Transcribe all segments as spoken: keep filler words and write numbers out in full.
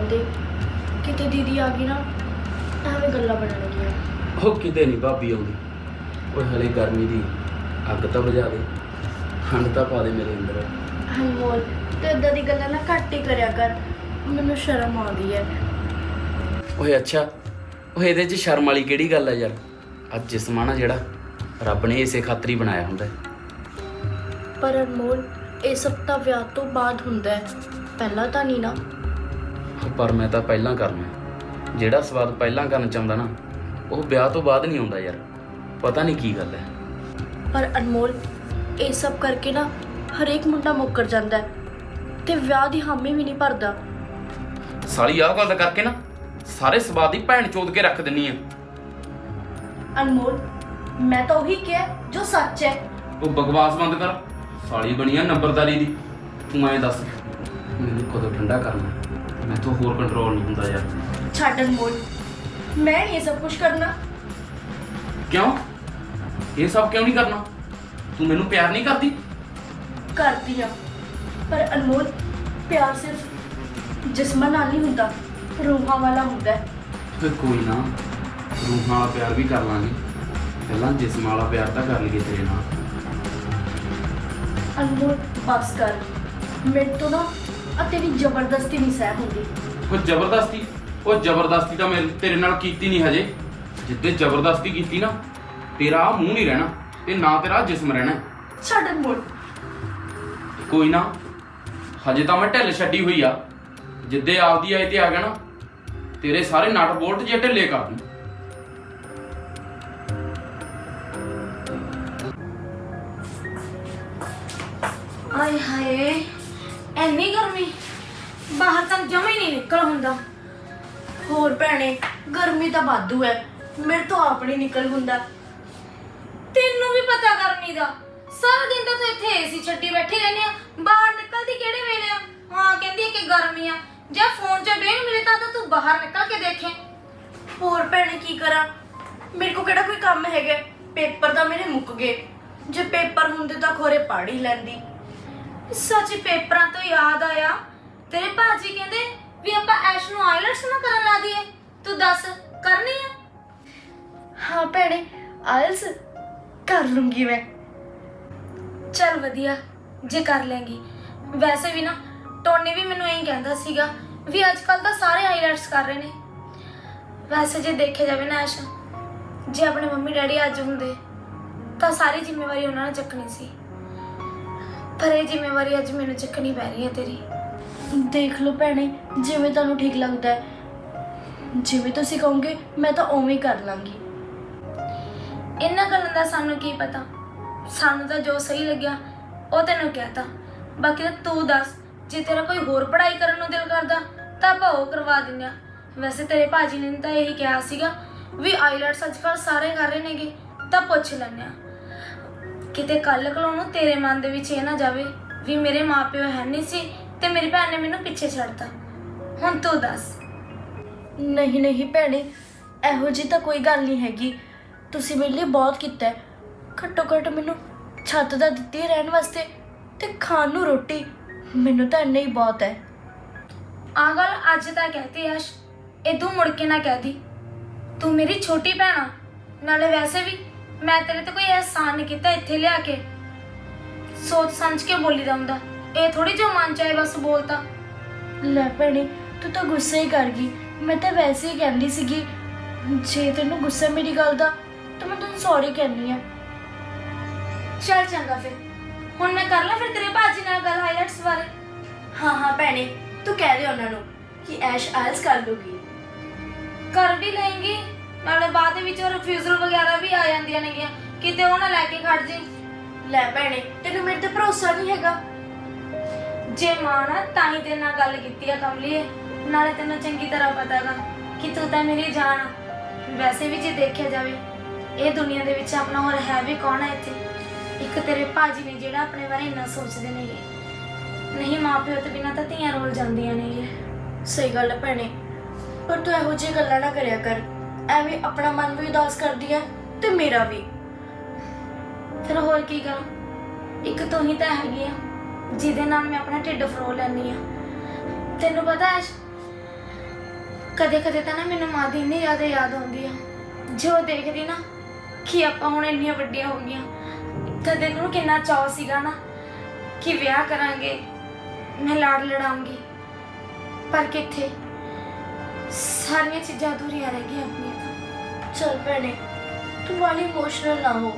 ਜਾਂਦੇ। ਕਿਤੇ ਦੀਦੀ ਆ ਗਈ ਨਾ ਐਵੇਂ ਗੱਲਾਂ ਬਣਨਗੀਆਂ। ਉਹ ਕਿਤੇ ਨਹੀਂ ਭਾਬੀ ਆਉਂਦੀ। ਉਹ ਹਲੇ ਗਰਮੀ ਦੀ ਅੱਗ ਤਾਂ ਬੁਝਾ ਦੇ, ਠੰਡ ਤਾਂ ਪਾ ਦੇ ਮੇਰੇ ਅੰਦਰ। ਅਨਮੋਲ ਤੇ ਇਦਾਂ ਦੀ ਗੱਲਾਂ ਨਾ ਘੱਟ ਹੀ ਕਰਿਆ ਕਰ, ਮੈਨੂੰ ਸ਼ਰਮ ਆਉਂਦੀ ਹੈ। ਓਏ ਅੱਛਾ, ਉਹ ਇਹਦੇ 'ਚ ਸ਼ਰਮ ਵਾਲੀ ਕਿਹੜੀ ਗੱਲ ਹੈ ਯਾਰ? ਅੱਜ ਜਿਸਮ ਆ ਨਾ ਜਿਹੜਾ, ਰੱਬ ਨੇ ਇਸੇ ਖਾਤਰ ਹੀ ਬਣਾਇਆ ਹੁੰਦਾ। ਪਰ ਅਨਮੋਲ ਇਹ ਸਭ ਤਾਂ ਵਿਆਹ ਤੋਂ ਬਾਅਦ ਹੁੰਦਾ ਹੈ, ਪਹਿਲਾਂ ਤਾਂ ਨਹੀਂ ਨਾ। ਪਰ ਮੈਂ ਤਾਂ ਪਹਿਲਾਂ ਕਰਨਾ। ਜਿਹੜਾ ਸਵਾਦ ਪਹਿਲਾਂ ਕਰਨ ਚਾਹੁੰਦਾ ਨਾ, ਉਹ ਵਿਆਹ ਤੋਂ ਬਾਅਦ ਨਹੀਂ ਆਉਂਦਾ ਯਾਰ। ਪਤਾ ਨਹੀਂ ਕੀ ਗੱਲ ਹੈ। ਪਰ ਅਨਮੋਲ ਇਹ ਸਭ ਕਰਕੇ ਨਾ ਹਰੇਕ ਮੁੰਡਾ ਮੁੱਕਰ ਜਾਂਦਾ ਹੈ ਤੇ ਵਿਆਹ ਦੀ ਹਾਮੀ ਵੀ ਨਹੀਂ ਭਰਦਾ। ਸਾਲੀ ਆਹ ਗੱਲ ਕਰਕੇ ਨਾ ਸਾਰੇ ਸਵਾਦ ਦੀ ਭੈਣ ਚੋਦ ਕੇ ਰੱਖ ਦਿੰਨੀ ਆ। ਅਨਮੋਲ ਮੈਂ ਤਾਂ ਉਹੀ ਕਿਹਾ ਜੋ ਸੱਚ ਹੈ। ਤੂੰ ਬਕਵਾਸ ਬੰਦ ਕਰ। ਸਾਲੀ ਬਣੀ ਆ ਨੰਬਰਦਾਰੀ ਦੀ। ਤੂੰ ਐਂ ਦੱਸ ਮੈਨੂੰ ਕਦੋਂ ਠੰਡਾ ਕਰਨਾ? ਮੈਥੋਂ ਹੋਰ ਕੰਟਰੋਲ ਨਹੀਂ ਹੁੰਦਾ ਯਾਰ। ਛੱਡ ਅਨਮੋਲ, ਮੈਂ ਨਹੀਂ ਇਹ ਸਭ ਕੁਝ ਕਰਨਾ। ਕਿਉਂ? ਇਹ ਸਭ ਕਿਉਂ ਨਹੀਂ ਕਰਨਾ? ਤੂੰ ਮੈਨੂੰ ਪਿਆਰ ਨਹੀਂ ਕਰਦੀ? ਕਰਦੀ ਆ, ਪਰ ਅਨਮੋਲ ਪਿਆਰ ਸਿਰਫ ਜਿਸਮਾਂ ਨਾਲ ਨਹੀਂ ਹੁੰਦਾ, ਰੂਹਾਂ ਵਾਲਾ ਹੁੰਦਾ ਹੈ। ਤੇ ਕੋਈ ਨਾ, ਰੂਹਾਂ ਵਾਲਾ ਪਿਆਰ ਵੀ ਕਰ ਲਾਂਗੇ। ਪਹਿਲਾਂ ਜਿਸਮ ਵਾਲਾ ਪਿਆਰ ਤਾਂ ਕਰ ਲਈਏ ਤੇਰੇ ਨਾਲ। ਅਨਮੋਲ ਬਸ ਕਰ, ਮੇਰੇ ਤੋਂ ਨਾ ਆ ਤੇਰੀ ਜ਼ਬਰਦਸਤੀ ਨਹੀਂ ਸਹਿ ਹੁੰਦੀ। ਉਹ ਜ਼ਬਰਦਸਤੀ ਉਹ ਜ਼ਬਰਦਸਤੀ ਤਾਂ ਮੈਂ ਤੇਰੇ ਨਾਲ ਕੀਤੀ ਨਹੀਂ ਹਜੇ। ਜਿੱਦੇ ਜ਼ਬਰਦਸਤੀ ਕੀਤੀ ਨਾ, ਤੇਰਾ ਆਹ ਮੂੰਹ ਨਹੀਂ ਰਹਿਣਾ ਤੇ ਨਾ ਤੇਰਾ ਜਿਸਮ ਰਹਿਣਾ। ਛੱਡ ਅਨਮੋਲ। ਕੋਈ ਨਾ, ਹਜੇ ਤਾਂ ਮੈਂ ਢਿੱਲ ਛੱਡੀ ਹੋਈ ਆ। ਜਿੱਦੇ ਆਪਦੀ ਆਏ ਤੇ ਆ ਗਿਆ ਨਾ, ਤੇਰੇ ਸਾਰੇ ਨਟ ਬੋਲਟ ਜੇ ਢਿੱਲੇ ਕਰ ਦੂੰ। ਆਏ ਹਾਏ, ਐਨੀ ਗਰਮੀ, ਬਾਹਰ ਤਾਂ ਜਮਾ ਹੀ ਨਹੀਂ ਨਿਕਲ ਹੁੰਦਾ। ਹੋਰ ਭੈਣੇ, ਗਰਮੀ ਤਾਂ ਵਾਧੂ ਹੈ, ਮੇਰੇ ਤੋਂ ਆਪ ਨਹੀਂ ਨਿਕਲ ਹੁੰਦਾ। ਤੈਨੂੰ ਵੀ ਪਤਾ ਗਰਮੀ ਦਾ। ਸਾਰਾ ਦਿਨ ਤਾਂ ਤੂੰ ਇੱਥੇ ਏਸੀ ਛੱਡੀ ਬੈਠੀ ਰਹਿੰਦੀ ਆ, ਬਾਹਰ ਨਿਕਲਦੀ ਕਿਹੜੇ ਵੇਲੇ ਆ? ਹਾਂ ਕਹਿੰਦੀ ਆ ਕਿ ਗਰਮੀ ਆ। ਜਾਂ ਫੋਨ 'ਚ ਵੇਖ ਮਿਲੇ ਤਾਂ ਤਾਂ ਤੂੰ ਬਾਹਰ ਨਿਕਲ ਕੇ ਦੇਖੇ। ਹੋਰ ਭੈਣੇ ਕੀ ਕਰਾਂ, ਮੇਰੇ ਕੋ ਕਿਹੜਾ ਕੋਈ ਕੰਮ ਹੈਗਾ? ਪੇਪਰ ਤਾਂ ਮੇਰੇ ਮੁੱਕ ਗਏ। ਜੇ ਪੇਪਰ ਹੁੰਦੇ ਤਾਂ ਖੋਰੇ ਪੜ੍ਹ ਹੀ ਲੈਂਦੀ। ਸੱਚ, ਪੇਪਰਾਂ ਤੋਂ ਯਾਦ ਆਇਆ, ਤੇਰੇ ਭਾਜੀ ਕਹਿੰਦੇ ਵੀ ਆਪਾਂ ਐਸ਼ ਨੂੰ ਆਈਲੈਟਸ ਨਾ ਕਰਨ ਲਾ ਦਈਏ। ਤੂੰ ਦੱਸ ਕਰਨੀ ਆ? ਹਾਂ ਭੈਣੇ, ਆਇਲਸ ਕਰ ਲੂੰਗੀ ਮੈਂ। ਚੱਲ ਵਧੀਆ ਜੇ ਕਰ ਲੈਂਗੀ। ਵੈਸੇ ਵੀ ਨਾ ਟੋਨੀ ਵੀ ਮੈਨੂੰ ਇਹੀ ਕਹਿੰਦਾ ਸੀਗਾ ਵੀ ਅੱਜ ਕੱਲ ਤਾਂ ਸਾਰੇ ਆਈਲੈਟਸ ਕਰ ਰਹੇ ਨੇ। ਵੈਸੇ ਜੇ ਦੇਖਿਆ ਜਾਵੇ ਨਾ ਐਸ਼, ਜੇ ਆਪਣੇ ਮੰਮੀ ਡੈਡੀ ਅੱਜ ਹੁੰਦੇ ਤਾਂ ਸਾਰੀ ਜ਼ਿੰਮੇਵਾਰੀ ਉਹਨਾਂ ਨੇ ਚੱਕਣੀ ਸੀ, ਪਰ ਇਹ ਜ਼ਿੰਮੇਵਾਰੀ ਅੱਜ ਮੈਨੂੰ ਚੱਕਣੀ ਪੈ ਰਹੀ ਹੈ ਤੇਰੀ। ਦੇਖ ਲਓ ਭੈਣੇ, ਜਿਵੇਂ ਤੁਹਾਨੂੰ ਠੀਕ ਲੱਗਦਾ ਹੈ, ਜਿਵੇਂ ਤੁਸੀਂ ਕਹੋਗੇ ਮੈਂ ਤਾਂ ਉਵੇਂ ਹੀ ਕਰ ਲਾਂਗੀ। ਇਹਨਾਂ ਗੱਲਾਂ ਦਾ ਸਾਨੂੰ ਕੀ ਪਤਾ, ਸਾਨੂੰ ਤਾਂ ਜੋ ਸਹੀ ਲੱਗਿਆ ਉਹ ਤੈਨੂੰ ਕਹਿਤਾ। ਬਾਕੀ ਤਾਂ ਤੂੰ ਦੱਸ, ਜੇ ਤੇਰਾ ਕੋਈ ਹੋਰ ਪੜ੍ਹਾਈ ਕਰਨ ਨੂੰ ਦਿਲ ਕਰਦਾ ਤਾਂ ਆਪਾਂ ਉਹ ਕਰਵਾ ਦਿੰਦੇ ਆ। ਵੈਸੇ ਤੇਰੇ ਭਾਜੀ ਨੇ ਤਾਂ ਇਹੀ ਕਿਹਾ ਸੀਗਾ ਵੀ ਆਈਲੈਟਸ ਅੱਜ ਕੱਲ੍ਹ ਸਾਰੇ ਕਰ ਰਹੇ ਨੇਗੇ, ਤਾਂ ਪੁੱਛ ਲੈਂਦੇ ਆ। ਕਿਤੇ ਕੱਲ ਕੋਲੋਂ ਨੂੰ ਤੇਰੇ ਮਨ ਦੇ ਵਿੱਚ ਇਹ ਨਾ ਜਾਵੇ ਵੀ ਮੇਰੇ ਮਾਪਿਓ ਹੈ ਨਹੀਂ ਸੀ ਤੇ ਮੇਰੀ ਭੈਣ ਨੇ ਮੈਨੂੰ ਪਿੱਛੇ ਛੱਡਤਾ। ਹੁਣ ਤੂੰ ਦੱਸ। ਨਹੀਂ ਨਹੀਂ ਭੈਣੇ, ਇਹੋ ਜਿਹੀ ਤਾਂ ਕੋਈ ਗੱਲ ਨਹੀਂ ਹੈਗੀ। ਤੁਸੀਂ ਮੇਰੇ ਲਈ ਬਹੁਤ ਕੀਤਾ ਹੈ। ਘੱਟੋ ਘੱਟ ਮੈਨੂੰ ਛੱਤ ਦਾ ਦਿੱਤੀ ਹੈ ਰਹਿਣ ਵਾਸਤੇ ਤੇ ਖਾਣ ਨੂੰ ਰੋਟੀ, ਮੈਨੂੰ ਤਾਂ ਇੰਨਾ ਹੀ ਬਹੁਤ ਹੈ। ਆਹ ਗੱਲ ਅੱਜ ਤਾਂ ਕਹਿਤੀ ਯਸ਼, ਇਦੋਂ ਮੁੜ ਕੇ ਨਾ ਕਹਿਦੀ। ਤੂੰ ਮੇਰੀ ਛੋਟੀ ਭੈਣ ਆ, ਨਾਲੇ ਵੈਸੇ ਵੀ ਮੈਂ ਤੇਰੇ ਤੇ ਕੋਈ ਅਹਿਸਾਨ ਨਹੀਂ ਕੀਤਾ ਇੱਥੇ ਲਿਆ ਕੇ। ਸੋਚ ਸਮਝ ਕੇ ਬੋਲੀਦਾ ਹੁੰਦਾ, ਇਹ ਥੋੜੀ ਜੋ ਮਨ ਚਾਹੇ ਬਸ ਬੋਲਤਾ। ਲੈ ਭੈਣੇ, ਤੂੰ ਤਾਂ ਗੁੱਸੇ ਹੀ ਕਰ ਗਈ। ਮੈਂ ਤਾਂ ਵੈਸੇ ਹੀ ਕਹਿੰਦੀ ਸੀਗੀ, ਜੇ ਤੈਨੂੰ ਗੁੱਸਾ ਮੇਰੀ ਗੱਲ ਦਾ ਤਾਂ ਮੈਂ ਤੈਨੂੰ ਸੌਰੀ ਕਹਿੰਦੀ ਆ। ਚੱਲ ਚੰਗਾ ਫਿਰ, ਹੁਣ ਮੈਂ ਕਰ ਲਾਂ ਫਿਰ ਤੇਰੇ ਭਾਜੀ ਨਾਲ ਗੱਲ ਆਈਲੈਟਸ ਬਾਰੇ। ਹਾਂ ਹਾਂ ਭੈਣੇ, ਤੂੰ ਕਹਿ ਦੇ ਉਹਨਾਂ ਨੂੰ ਕਿ ਐਸ਼ ਆਇਲਸ ਕਰ ਲੂਗੀ। ਕਰ ਵੀ ਲਏਂਗੀ, ਨਾਲੇ ਬਾਅਦ ਵਿੱਚ ਰਿਫਿਊਜ਼ਲ ਵਗੈਰਾ ਵੀ ਆ ਜਾਂਦੀਆਂ ਨੇਗੀਆਂ, ਕਿਤੇ ਉਹ ਨਾ ਲੈ ਕੇ ਖੜ ਜੇ। ਲੈ ਭੈਣੇ, ਤੈਨੂੰ ਮੇਰੇ ਤੇ ਭਰੋਸਾ ਨਹੀਂ ਹੈਗਾ? ਜੇ ਮਾਂ ਨਾ ਤਾਂ ਹੀ ਤੇਰੇ ਨਾਲ ਗੱਲ ਕੀਤੀ ਆ ਕਮਲੀਏ, ਨਾਲੇ ਤੈਨੂੰ ਚੰਗੀ ਤਰ੍ਹਾਂ ਪਤਾ ਗਾ ਕਿ ਤੂੰ ਤਾਂ ਮੇਰੀ ਜਾਨ ਆ। ਵੈਸੇ ਵੀ ਜੇ ਦੇਖਿਆ ਜਾਵੇ ਇਹ ਦੁਨੀਆ ਦੇ ਵਿੱਚ ਆਪਣਾ ਹੋਰ ਹੈ ਵੀ ਕੌਣ ਹੈ ਇੱਥੇ? ਇੱਕ ਤੇਰੇ ਭਾਜੀ ਨੇ ਜਿਹੜਾ ਆਪਣੇ ਬਾਰੇ ਇੰਨਾ ਸੋਚਦੇ ਨੇਗੇ। ਨਹੀਂ, ਮਾਂ ਪਿਓ ਤੋਂ ਬਿਨਾਂ ਤਾਂ ਧੀਆਂ ਰੋਲ ਜਾਂਦੀਆਂ ਨੇ। ਸਹੀ ਗੱਲ ਹੈ ਭੈਣੇ, ਪਰ ਤੂੰ ਇਹੋ ਜਿਹੀ ਗੱਲਾਂ ਨਾ ਕਰਿਆ ਕਰ। ਐਵੇਂ ਆਪਣਾ ਮਨ ਵੀ ਉਦਾਸ ਕਰਦੀ ਹੈ ਤੇ ਮੇਰਾ ਵੀ। ਫਿਰ ਹੋਰ ਕੀ ਕਰਾਂ? ਇੱਕ ਤੂੰ ਹੀ ਤਾਂ ਹੈਗੀ ਆ ਜਿਹਦੇ ਨਾਲ ਮੈਂ ਆਪਣਾ ਢਿੱਡ ਫਰੋ ਲੈਂਦੀ ਆ। ਤੈਨੂੰ ਪਤਾ ਹੈ ਕਦੇ ਕਦੇ ਤਾਂ ਨਾ ਮੈਨੂੰ ਮਾਂ ਦੀ ਇੰਨੀ ਜ਼ਿਆਦਾ ਯਾਦ ਆਉਂਦੀ ਆ। ਜੋ ਦੇਖਦੀ ਨਾ ਕਿ ਆਪਾਂ ਹੁਣ ਇੰਨੀਆਂ ਵੱਡੀਆਂ ਹੋ ਗਈਆਂ, ਤਾਂ ਦਿਲ ਨੂੰ ਕਿੰਨਾ ਚਾਅ ਸੀਗਾ ਨਾ ਕਿ ਵਿਆਹ ਕਰਾਂਗੇ, ਮੈਂ ਲਾੜ ਲੜਾਉਂਗੀ। ਪਰ ਕਿੱਥੇ, ਸਾਰੀਆਂ ਚੀਜ਼ਾਂ ਅਧੂਰੀਆਂ ਰਹਿ ਗਈਆਂ ਆਪਣੀਆਂ ਤਾਂ। ਚਲ ਭੈਣੇ, ਤੂੰ ਵਾਲੀ ਇਮੋਸ਼ਨਲ ਨਾ ਹੋ।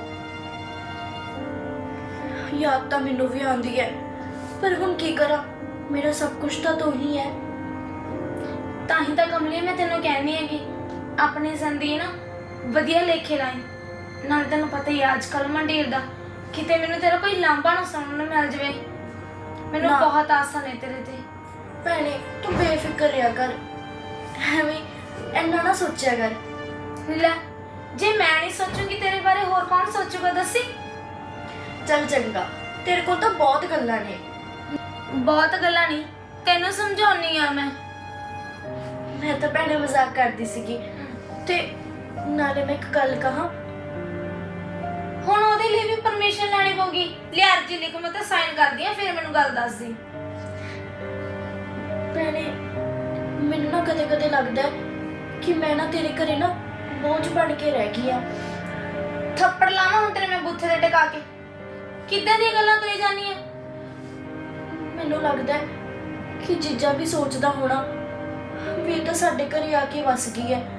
ਯਾਦ ਤਾਂ ਮੈਨੂੰ ਵੀ ਆਉਂਦੀ ਹੈ, ਪਰ ਹੁਣ ਕੀ ਕਰਾਂ, ਮੇਰਾ ਸਭ ਕੁਝ ਤਾਂ ਤੂੰ ਹੀ ਹੈ। ਤਾਂ ਹੀ ਤਾਂ ਕਮਲੀ ਮੈਂ ਤੈਨੂੰ ਕਹਿੰਦੀ ਹੈ ਕਿ ਆਪਣੀ ਜ਼ਿੰਦਗੀ ਨਾ ਵਧੀਆ ਲੇਖੇ ਲਾਈ। ਨਾਲ ਤੈਨੂੰ ਪਤਾ ਹੀ ਅੱਜ ਕੱਲ੍ਹ ਮੰਡੀਰ ਦਾ, ਕਿਤੇ ਮੈਨੂੰ ਤੇਰਾ ਕੋਈ ਲਾਂਭਾ ਨਾ ਸੁਣਨ ਨੂੰ ਮਿਲ ਜਾਵੇ। ਮੈਨੂੰ ਨਾ। ਬਹੁਤ ਆਸਾਂ ਨੇ ਤੇਰੇ ਤੇ। ਭੈਣੇ ਤੂੰ ਬੇਫਿਕਰ ਰਿਹਾ ਕਰ, ਐਵੇਂ ਇੰਨਾ ਨਾ ਸੋਚਿਆ ਕਰ। ਲੈ, ਜੇ ਮੈਂ ਨਹੀਂ ਸੋਚੂਗੀ ਤੇਰੇ ਬਾਰੇ ਹੋਰ ਕੌਣ ਸੋਚੂਗਾ ਦੱਸੀ? ਚੱਲ ਚੰਗਾ, ਤੇਰੇ ਕੋਲ ਤਾਂ ਬਹੁਤ ਗੱਲਾਂ ਨੇ। ਬਹੁਤ ਗੱਲਾਂ ਨਹੀਂ, ਤੈਨੂੰ ਸਮਝਾਉਣੀ ਆ ਮੈਂ। ਮੈਂ ਤਾਂ ਭੈਣੇ ਮਜ਼ਾਕ ਕਰਦੀ ਸੀਗੀ। ਤੇ ਨਾਲੇ ਮੈਂ ਇੱਕ ਗੱਲ ਕਹਾਂ, ਹੁਣ ਉਹਦੇ ਲਈ ਵੀ ਪਰਮਿਸ਼ਨ ਲੈਣੀ ਪਊਗੀ। ਲਿਆ ਅਰਜੀ ਲਿਖ, ਮੈਂ ਤਾਂ ਸਾਈਨ ਕਰਦੀ ਆ, ਫਿਰ ਮੈਨੂੰ ਗੱਲ ਦੱਸ ਦੀ। ਭੈਣੇ ਮੈਨੂੰ ਨਾ ਕਦੇ ਕਦੇ ਲੱਗਦਾ ਹੈ ਕਿ ਮੈਂ ਨਾ ਤੇਰੇ ਘਰੇ ਨਾ ਬੋਝ ਬਣ ਕੇ ਰਹਿ ਗਈ ਆ। ਥੱਪੜ ਲਾਵਾਂ ਹੁਣ ਤੇਰੇ ਮੈਂ ਬੁੱਥੇ ਤੇ ਟਿਕਾ ਕੇ? ਕਿੱਦਾਂ ਦੀਆਂ ਗੱਲਾਂ ਕਰੀ ਜਾਂਦੀ ਆ? ਮੈਨੂੰ ਲੱਗਦਾ ਹੈ ਕਿ ਜੀਜਾ ਵੀ ਸੋਚਦਾ ਹੋਣਾ ਵੀ ਇਹ ਤਾਂ ਸਾਡੇ ਘਰੇ ਆ ਕੇ ਵਸ ਗਈ ਹੈ।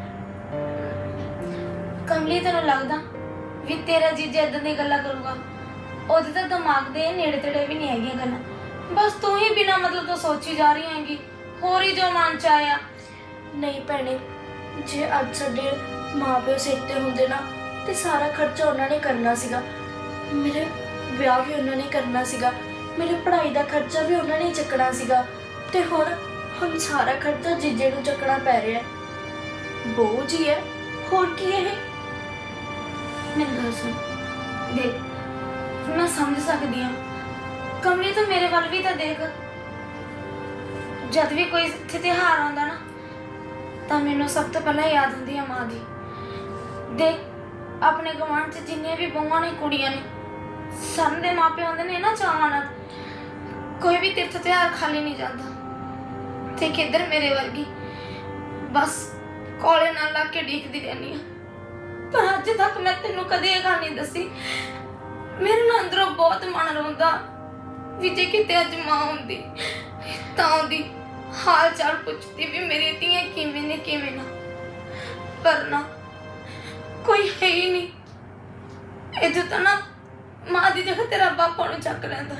ਕਮਲੀ, ਤੈਨੂੰ ਲੱਗਦਾ ਵੀ ਤੇਰਾ ਜੀਜਾ ਇਦਾਂ ਦੀਆਂ ਗੱਲਾਂ ਕਰੂਗਾ? ਉਹਦੇ ਤਾਂ ਦਿਮਾਗ ਦੇ ਨੇੜੇ ਤੇੜੇ ਵੀ ਨਹੀਂ ਹੈਗੀਆਂ ਗੱਲਾਂ। ਬਸ ਤੂੰ ਹੀ ਬਿਨਾ ਮਤਲਬ ਤੋਂ ਸੋਚੀ ਜਾ ਰਹੀ ਹੈਗੀ, ਹੋਰ ਹੀ ਜੋ ਮਨ ਚ ਆਇਆ। ਨਹੀਂ ਭੈਣੇ, ਜੇ ਅੱਜ ਸਾਡੇ ਮਾਪਿਓ ਸਿਰ ਤੇ ਹੁੰਦੇ ਨਾ ਤੇ ਸਾਰਾ ਖਰਚਾ ਉਹਨਾਂ ਨੇ ਕਰਨਾ ਸੀਗਾ। ਮੇਰੇ ਵਿਆਹ ਵੀ ਉਹਨਾਂ ਨੇ ਕਰਨਾ ਸੀਗਾ, ਮੇਰੀ ਪੜ੍ਹਾਈ ਦਾ ਖਰਚਾ ਵੀ ਉਹਨਾਂ ਨੇ ਹੀ ਚੱਕਣਾ ਸੀਗਾ। ਤੇ ਹੁਣ ਹੁਣ ਸਾਰਾ ਖਰਚਾ ਜੀਜੇ ਨੂੰ ਚੱਕਣਾ ਪੈ ਰਿਹਾ ਹੈ। ਬੋਝ ਹੀ ਹੈ, ਹੋਰ ਕੀ ਇਹ। ਮੇਰੀ ਗੱਲ ਸੁਣ, ਦੇਖ ਮੈਂ ਸਮਝ ਸਕਦੀ ਹਾਂ। ਕਮਲੀ, ਤੂੰ ਮੇਰੇ ਵੱਲ ਵੀ ਤਾਂ ਦੇਖ। ਜਦ ਵੀ ਕੋਈ ਇੱਥੇ ਤਿਉਹਾਰ ਆਉਂਦਾ ਨਾ, ਤਾਂ ਮੈਨੂੰ ਸਭ ਤੋਂ ਪਹਿਲਾਂ ਯਾਦ ਹੁੰਦੀ ਆ ਮਾਂ ਦੀ। ਦੇਖ, ਆਪਣੇ ਗੁਆਂਢ 'ਚ ਜਿੰਨੀਆਂ ਵੀ ਬਹੂਆਂ ਨੇ, ਕੁੜੀਆਂ ਨੇ, ਸਭ ਦੇ ਮਾਪੇ ਆਉਂਦੇ ਨੇ ਨਾ ਚਾਵਾਂ ਨਾਲ। ਕੋਈ ਵੀ ਤੀਰਥ ਤਿਉਹਾਰ ਖਾਲੀ ਨਹੀਂ ਜਾਂਦਾ। ਤੇ ਕਿੱਧਰ ਮੇਰੇ ਵਰਗੀ ਬਸ ਕੋਲੇ ਨਾਲ ਲਾ ਕੇ ਡੀਕਦੀ ਰਹਿੰਦੀ ਆ। ਪਰ ਅੱਜ ਤੱਕ ਮੈਂ ਤੈਨੂੰ ਕਦੇ ਇਹ ਗੱਲ ਨਹੀਂ ਦੱਸੀ। ਮੇਰੇ ਨਾਲ ਅੰਦਰੋਂ ਬਹੁਤ ਮਨ ਰੋਂਦਾ ਵੀ ਜੇ ਕਿਤੇ ਅੱਜ ਮਾਂ ਹੁੰਦੀ ਤਾਂ ਉਹਦੀ ਹਾਲ ਚਾਲ ਪੁੱਛਦੀ ਵੀ ਮੇਰੀ ਧੀਆਂ ਕਿਵੇਂ ਨੇ ਕਿਵੇਂ ਨਾ। ਪਰ ਨਾ, ਕੋਈ ਹੈ ਹੀ ਨਹੀਂ। ਇਹਦੇ ਤਾਂ ਨਾ ਮਾਂ ਦੀ ਜਗ੍ਹਾ ਤੇਰਾ ਬਾਪਾ ਨੂੰ ਚੱਕ ਲੈਂਦਾ।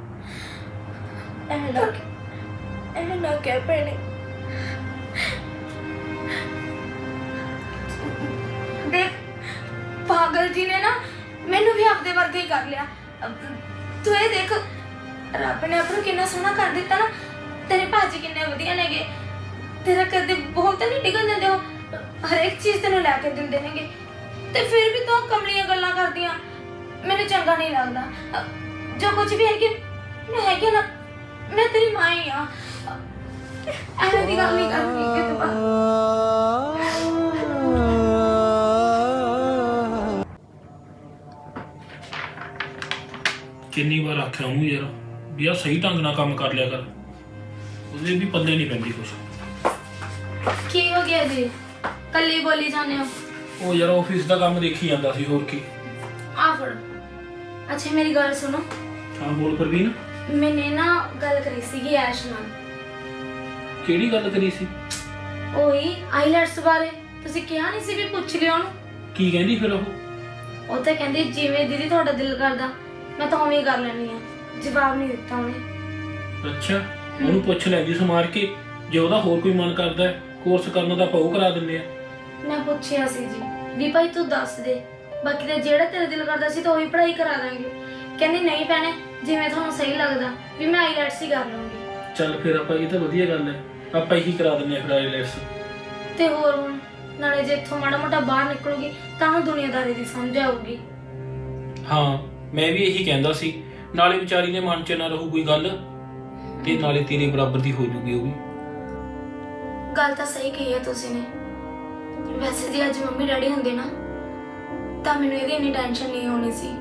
ਐਵੇਂ ਨਾ ਐਵੇਂ ਨਾ ਕਹਿ ਭੈਣੇ। ਦੇਖ, ਪਾਗਲ ਜੀ ਨੇ ਨਾ ਮੈਨੂੰ ਵੀ ਆਪਦੇ ਵਰਗਾ ਹੀ ਕਰ ਲਿਆ। ਤੂੰ ਇਹ ਦੇਖ, ਰੱਬ ਨੇ ਆਪਣਾ ਕਿੰਨਾ ਸੋਹਣਾ ਕਰ ਦਿੱਤਾ ਨਾ। ਤੇਰੇ ਭਾਜੀ ਕਿੰਨੇ ਵਧੀਆ ਨੇਗੇ, ਤੇਰਾ ਕਦੇ ਬਹੁਤ ਨਹੀਂ ਡਿੱਗਣ ਦਿੰਦੇ ਹੋ, ਹਰੇਕ ਚੀਜ਼ ਤੈਨੂੰ ਲੈ ਕੇ ਦਿੰਦੇ ਨੇਗੇ। ਤੇ ਫਿਰ ਵੀ ਤੂੰ ਕਮਲੀਆਂ ਗੱਲਾਂ ਕਰਦੀਆਂ, ਮੈਨੂੰ ਚੰਗਾ ਨਹੀਂ ਲੱਗਦਾ। ਜੋ ਕੁਝ ਵੀ ਹੈਗੀ ਮੈਂ ਹੈਗੀ ਨਾ, ਮੈਂ ਤੇਰੀ ਮਾਂ ਹੀ ਆ। ਐਵੇਂ ਦੀ ਗੱਲ ਨਹੀਂ ਕਰਨੀ ਕਿਤੇ ਬਾਅਦ। ਕਿੰਨੀ ਵਾਰ ਆਖਿਆ ਉਹਨੂੰ ਯਾਰ ਵੀ ਆ ਸਹੀ ਢੰਗ ਨਾਲ ਕੰਮ ਕਰ ਲਿਆ ਕਰ, ਉਹਦੇ ਵੀ ਪੱਲੇ ਨਹੀਂ ਪੈਂਦੀ ਕੁਛ। ਕੀ ਹੋ ਗਿਆ ਜੀ, ਕੱਲੀ ਬੋਲੀ ਜਾਂਦੇ ਹੋ? ਉਹ ਯਾਰ ਆਫਿਸ ਦਾ ਕੰਮ ਦੇਖੀ ਜਾਂਦਾ ਸੀ, ਹੋਰ ਕੀ। ਆ ਫੜ। ਅੱਛਾ ਮੇਰੀ ਗੱਲ ਸੁਣੋ। ਹਾਂ ਬੋਲ ਪ੍ਰਵੀਨ। ਮੈਨੇ ਨਾ ਗੱਲ ਕਰੀ ਸੀਗੀ ਐਸ਼ ਨਾਲ। ਕਿਹੜੀ ਗੱਲ ਕਰੀ ਸੀ? ਉਹੀ ਆਈਲੈਟਸ ਬਾਰੇ। ਤੁਸੀਂ ਕਿਹਾ ਨਹੀਂ ਸੀ ਵੀ ਪੁੱਛ ਲਿਓ ਉਹਨੂੰ? ਕੀ ਕਹਿੰਦੀ ਫਿਰ ਉਹ? ਉਹ ਤਾਂ ਕਹਿੰਦੀ ਜਿਵੇਂ ਦੀਦੀ ਤੁਹਾਡਾ ਦਿਲ ਕਰਦਾ ਮੈਂ ਤਾਂ ਉਵੇਂ ਹੀ ਕਰ ਲੈਣੀ ਆ। ਜਵਾਬ ਨਹੀਂ ਦਿੱਤਾ ਉਹਨੇ। ਅੱਛਾ, ਉਹਨੂੰ ਪੁੱਛ ਲੈਂਦੀ ਸਮਾਰ ਕੇ, ਜੇ ਉਹਦਾ ਹੋਰ ਕੋਈ ਮਨ ਕਰਦਾ ਕੋਰਸ ਕਰਨ ਦਾ ਪਾਉ ਕਰਾ ਦਿੰਦੇ ਆ। ਮੈਂ ਪੁੱਛਿਆ ਸੀ ਜੀ ਵੀ ਭਾਈ ਤੂੰ ਦੱਸ ਦੇ, ਬਾਕੀ ਤਾਂ ਜਿਹੜਾ ਤੇਰਾ ਦਿਲ ਕਰਦਾ ਸੀ ਤਾਂ ਉਹੀ ਪੜ੍ਹਾਈ ਕਰਾ ਦਾਂਗੇ। ਕਹਿੰਦੀ ਨਹੀਂ ਭੈਣੇ, ਜਿਵੇਂ ਤੁਹਾਨੂੰ ਸਹੀ ਲੱਗਦਾ ਵੀ ਮੈਂ ਆਈਲੈਟਸ ਹੀ ਕਰ ਲਵਾਂਗੀ। ਚੱਲ ਫਿਰ ਆਪਾਂ, ਇਹ ਤਾਂ ਵਧੀਆ ਗੱਲ ਹੈ, ਆਪਾਂ ਇਹੀ ਕਰਾ ਦਿੰਦੇ ਆ ਫਿਰ ਆਈਲੈਟਸ। ਤੇ ਹੋਰ ਹੁਣ ਨਾਲੇ ਜੇ ਇੱਥੋਂ ਮਾੜਾ ਮੋਟਾ ਬਾਹਰ ਨਿਕਲੂਗੀ ਤਾਂ ਉਹਨੂੰ ਦੁਨੀਆਦਾਰੀ ਦੀ ਸਮਝ ਆਊਗੀ। ਹਾਂ, ਮੈਂ ਵੀ ਇਹੀ ਕਹਿੰਦਾ ਸੀ, ਨਾਲੇ ਵਿਚਾਰੀ ਦੇ ਮਨ 'ਚ ਨਾ ਰਹੂ ਕੋਈ ਗੱਲ, ਤੇ ਨਾਲੇ ਤੇਰੇ ਬਰਾਬਰ ਦੀ ਹੋ ਜੂਗੀ ਉਹ ਵੀ। ਗੱਲ ਤਾਂ ਸਹੀ ਕਹੀ ਹੈ ਤੁਸੀਂ ਨੇ। ਵੈਸੇ ਜੇ ਅੱਜ ਮੰਮੀ ਡੈਡੀ ਹੁੰਦੇ ਨਾ ਤਾਂ ਮੈਨੂੰ ਇਹਦੀ ਇੰਨੀ ਟੈਨਸ਼ਨ ਨਹੀਂ ਹੋਣੀ ਸੀ।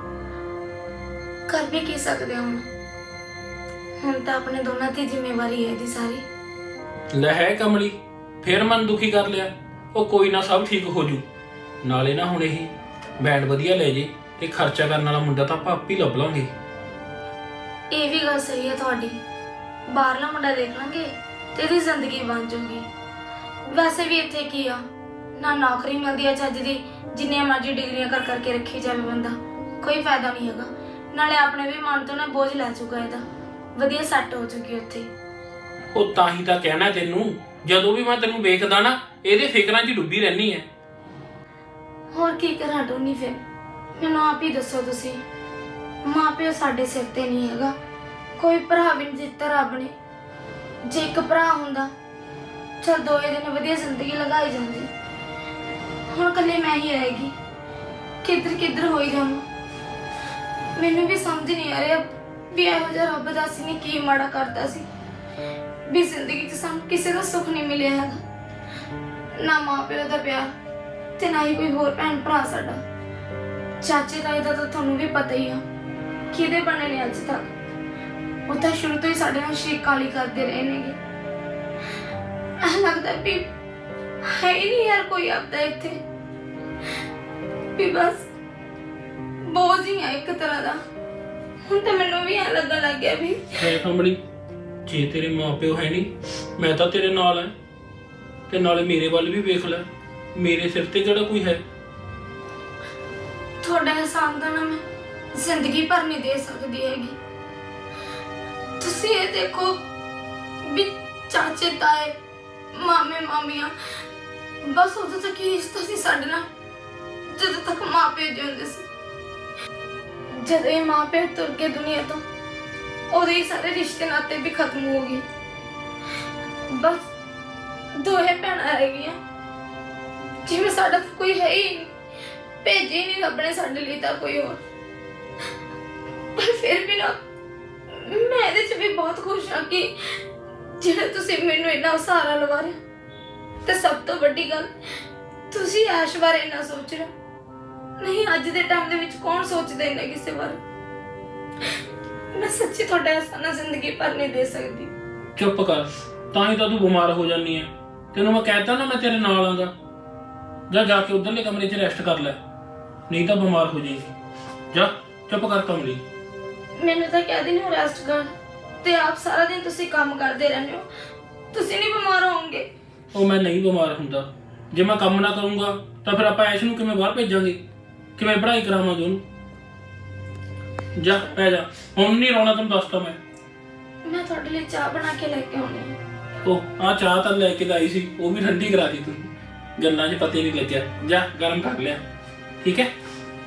ਕਰ ਵੀ ਕੀ ਸਕਦੇ ਹਾਂ ਹੁਣ ਹੁਣ ਤਾਂ ਆਪਣੇ ਦੋਨਾਂ ਦੀ ਜ਼ਿੰਮੇਵਾਰੀ ਹੈ ਇਹਦੀ ਸਾਰੀ। ਲੈ ਹੈ ਕਮਲੀ, ਫੇਰ ਮਨ ਦੁਖੀ ਕਰ ਲਿਆ। ਉਹ ਕੋਈ ਨਾ, ਸਭ ਠੀਕ ਹੋ ਜੂ। ਨਾਲੇ ਨਾ ਹੁਣ ਇਹ ਬੈਂਡ ਵਧੀਆ ਲੈ ਜੇ ਤੇ ਖਰਚਾ ਕਰਨ ਵਾਲਾ ਮੁੰਡਾ ਤਾਂ ਆਪਾਂ ਆਪੇ ਹੀ ਲੱਭ ਲਾਂਗੇ। ਇਹ ਵੀ ਗੱਲ ਸਹੀ ਹੈ ਤੁਹਾਡੀ। ਬਾਹਰਲਾ ਮੁੰਡਾ ਦੇਖ ਲਾਂਗੇ ਤੇ ਇਹਦੀ ਜ਼ਿੰਦਗੀ ਬਣ ਜਾਊਗੀ। ਵੈਸੇ ਵੀ ਇੱਥੇ ਕੀ ਆ, ਨਾ ਨੌਕਰੀ ਮਿਲਦੀ ਆ ਚੱਜ ਦੀ, ਜਿੰਨੀਆਂ ਮਰਜ਼ੀ ਡਿਗਰੀਆਂ ਕਰ ਕਰਕੇ ਰੱਖੀ ਜਾਵੇ ਬੰਦਾ, ਕੋਈ ਫਾਇਦਾ ਨਹੀਂ ਹੈਗਾ। ਨਾਲੇ ਆਪਣੇ ਵੀ ਮਨ ਤੋਂ ਨਾ ਬੋਝ ਲੈ ਚੁੱਕਾ ਇਹਦਾ, ਵਧੀਆ ਸੈੱਟ ਹੋ ਚੁੱਕੀ ਉੱਥੇ। ਉਹ ਤਾਂ ਹੀ ਤਾਂ ਕਹਿਣਾ ਤੈਨੂੰ, ਜਦੋਂ ਵੀ ਮੈਂ ਤੈਨੂੰ ਵੇਖਦਾ ਨਾ ਇਹਦੇ ਫਿਕਰਾਂ 'ਚ ਡੁੱਬੀ ਰਹਿਨੀ ਐ। ਹੋਰ ਕੀ ਕਰਾਂ ਟੋਨੀ, ਫਿਰ ਮੈਨੂੰ ਆਪ ਹੀ ਦੱਸੋ ਤੁਸੀਂ। ਮਾਂ ਪਿਓ ਸਾਡੇ ਸਿਰ ਤੇ ਨਹੀਂ ਹੈਗਾ, ਕੋਈ ਭਰਾ ਵੀ ਨਹੀਂ ਦਿੱਤਾ ਰੱਬ ਨੇ। ਜੇ ਇੱਕ ਭਰਾ ਹੁੰਦਾ ਚਲ ਦੋਏ ਦਿਨ ਵਧੀਆ ਜ਼ਿੰਦਗੀ ਲਗਾਈ ਜਾਂਦੀ। ਹੁਣ ਇਕੱਲੇ ਮੈਂ ਹੀ ਰਹੇਗੀ, ਕਿੱਧਰ ਕਿੱਧਰ ਹੋਈ ਜਾਵਾਂ। ਮੈਨੂੰ ਵੀ ਸਮਝ ਨਹੀਂ ਆ ਰਿਹਾ ਵੀ ਇਹੋ ਜਿਹਾ ਰੱਬ ਦਾ ਅਸੀਂ ਨੇ ਕੀ ਮਾੜਾ ਕਰਤਾ ਸੀ ਵੀ ਜ਼ਿੰਦਗੀ 'ਚ ਸਾਨੂੰ ਕਿਸੇ ਦਾ ਸੁੱਖ ਨਹੀਂ ਮਿਲਿਆ ਹੈਗਾ। ਨਾ ਮਾਂ ਪਿਓ ਦਾ ਪਿਆਰ ਤੇ ਨਾ ਹੀ ਕੋਈ ਹੋਰ ਭੈਣ ਭਰਾ ਸਾਡਾ। ਚਾਚੇ ਤਾਏ ਦਾ ਤਾਂ ਤੁਹਾਨੂੰ ਵੀ ਪਤਾ ਹੀ ਆ ਕਿਹਦੇ ਬਣੇ ਨੇ ਅੱਜ ਤੱਕ। ਉਹ ਤਾਂ ਸ਼ੁਰੂ ਤੋਂ ਹੀ ਸਾਡੇ ਨਾਲ ਸ਼ਰੀਕਾਂ ਲਈ ਕਰਦੇ ਰਹੇ ਨੇਗੇ। ਐਂ ਲੱਗਦਾ ਵੀ ਹੈ ਹੀ ਨਹੀਂ ਯਾਰ ਕੋਈ ਆਪਦਾ ਇੱਥੇ, ਵੀ ਬਸ ਬੋਝ ਹੀ ਆ ਇੱਕ ਤਰ੍ਹਾਂ ਦਾ। ਹੁਣ ਤਾਂ ਮੈਨੂੰ ਵੀ ਐਂ ਲੱਗਣ ਲੱਗ ਗਿਆ ਵੀ ਹੈ ਕੰਬਲੀ, ਜੇ ਤੇਰੇ ਮਾਪਿਓ ਹੈ ਨਹੀਂ, ਮੈਂ ਤਾਂ ਤੇਰੇ ਨਾਲ ਐ। ਤੇ ਨਾਲੇ ਮੇਰੇ ਵੱਲ ਵੀ ਵੇਖ ਲੈ, ਮੇਰੇ ਸਿਰ ਤੇ ਕਿਹੜਾ ਕੋਈ ਹੈ। ਤੁਹਾਡਾ ਅਹਿਸਾਨ ਤਾਂ ਨਾ ਮੈਂ ਜ਼ਿੰਦਗੀ ਭਰ ਨਹੀਂ ਦੇ ਸਕਦੀ ਹੈਗੀ। ਤੁਸੀਂ ਇਹ ਦੇਖੋ ਵੀ ਚਾਚੇ ਤਾਏ ਮਾਮੇ ਮਾਮੀਆਂ, ਬਸ ਉਦੋਂ ਤੱਕ ਹੀ ਰਿਸ਼ਤਾ ਸੀ ਸਾਡੇ ਨਾਲ, ਜਦੋਂ ਤੱਕ ਮਾਂ ਪਿਓ ਜਿਉਂਦੇ ਸੀ। ਜਦੋਂ ਇਹ ਮਾਂ ਪਿਓ ਤੁਰ ਗਏ ਦੁਨੀਆ ਤੋਂ, ਉਦੋਂ ਹੀ ਸਾਰੇ ਰਿਸ਼ਤੇ ਨਾਤੇ ਵੀ ਖਤਮ ਹੋ ਗਏ। ਬਸ ਦੋਹੇ ਭੈਣਾਂ ਰਹਿ ਗਈਆਂ, ਜਿਵੇਂ ਸਾਡਾ ਤਾਂ ਕੋਈ ਹੈ ਹੀ ਨਹੀਂ, ਭੇਜੇ ਨਹੀਂ ਰੱਬ ਨੇ ਸਾਡੇ ਲਈ ਤਾਂ ਕੋਈ ਹੋਰ। ਪਰ ਫਿਰ ਵੀ ਨਾ ਮੈਂ ਇਹਦੇ 'ਚ ਵੀ ਬਹੁਤ ਖੁਸ਼ ਹਾਂ ਕਿ ਜਿਹੜਾ ਤੁਸੀਂ ਮੈਨੂੰ ਇੰਨਾ ਸਹਾਰਾ ਲਵਾ ਰਹੇ। ਤੇ ਸਭ ਤੋਂ ਵੱਡੀ ਗੱਲ, ਤੁਸੀਂ ਐਸ਼ ਬਾਰੇ ਇੰਨਾ ਸੋਚ ਰਹੇ। ਨਹੀਂ, ਅੱਜ ਦੇ ਟਾਈਮ ਦੇ ਵਿੱਚ ਕੌਣ ਸੋਚਦਾ ਇੰਨਾ ਕਿਸੇ ਬਾਰੇ। ਮੈਂ ਸੱਚੀ ਤੁਹਾਡਾ ਅਹਿਸਾਨ ਜ਼ਿੰਦਗੀ ਭਰ ਨਹੀਂ ਦੇ ਸਕਦੀ। ਚੁੱਪ ਕਰ, ਤਾਂ ਹੀ ਤਾਂ ਤੂੰ ਬਿਮਾਰ ਹੋ ਜਾਂਦੀ ਐ। ਤੈਨੂੰ ਮੈਂ ਕਹਿਤਾ ਨਾ ਮੈਂ ਤੇਰੇ ਨਾਲ ਆਂਗਾ। ਜਾ ਜਾ ਕੇ ਉਧਰਲੇ ਕਮਰੇ 'ਚ ਰੈਸਟ ਕਰ ਲੈ, ਨਹੀਂ ਤਾਂ ਬਿਮਾਰ ਹੋ ਜਾਏਗੀ। ਜਾ ਚੁੱਪ ਕਰ ਕਮਲੀ। ਮੈਨੂੰ ਤਾਂ ਕਹਿ ਦਿੰਦੇ ਹੋ ਰੈਸਟ ਕਰ, ਤੇ ਆਪ ਸਾਰਾ ਦਿਨ ਤੁਸੀਂ ਕੰਮ ਕਰਦੇ ਰਹਿੰਦੇ ਹੋ। ਤੁਸੀਂ ਨਹੀਂ ਬਿਮਾਰ ਹੋਵੋਗੇ? ਉਹ ਮੈਂ ਨਹੀਂ ਬਿਮਾਰ ਹੁੰਦਾ। ਜੇ ਮੈਂ ਕੰਮ ਨਾ ਕਰੂੰਗਾ ਤਾਂ ਫਿਰ ਆਪਾਂ ਐਸ਼ ਨੂੰ ਕਿਵੇਂ ਬਾਹਰ ਭੇਜਾਂਗੇ, ਕਿਵੇਂ ਪੜ੍ਹਾਈ ਕਰਾਵਾਂਗੇ ਉਹਨੂੰ। ਜਾ ਪੈ ਜਾ, ਹੁਣ ਨਹੀਂ ਰੋਣਾ, ਤੈਨੂੰ ਦੱਸਤਾ ਮੈਂ। ਮੈਂ ਤੁਹਾਡੇ ਲਈ ਚਾਹ ਬਣਾ ਕੇ ਲੈ ਕੇ ਆਉਣੀ ਹੈ। ਉਹ ਆ ਚਾਹ ਤਾਂ ਲੈ ਕੇ ਤਾਂ ਆਈ ਸੀ, ਉਹ ਵੀ ਠੰਡੀ ਕਰਾ ਦੀ ਤੂੰ। ਗੱਲਾਂ 'ਚ ਪਤਾ ਹੀ ਨਹੀਂ ਲੱਗਿਆ। ਜਾ ਗਰਮ ਕਰ ਲਿਆ, ਠੀਕ ਹੈ।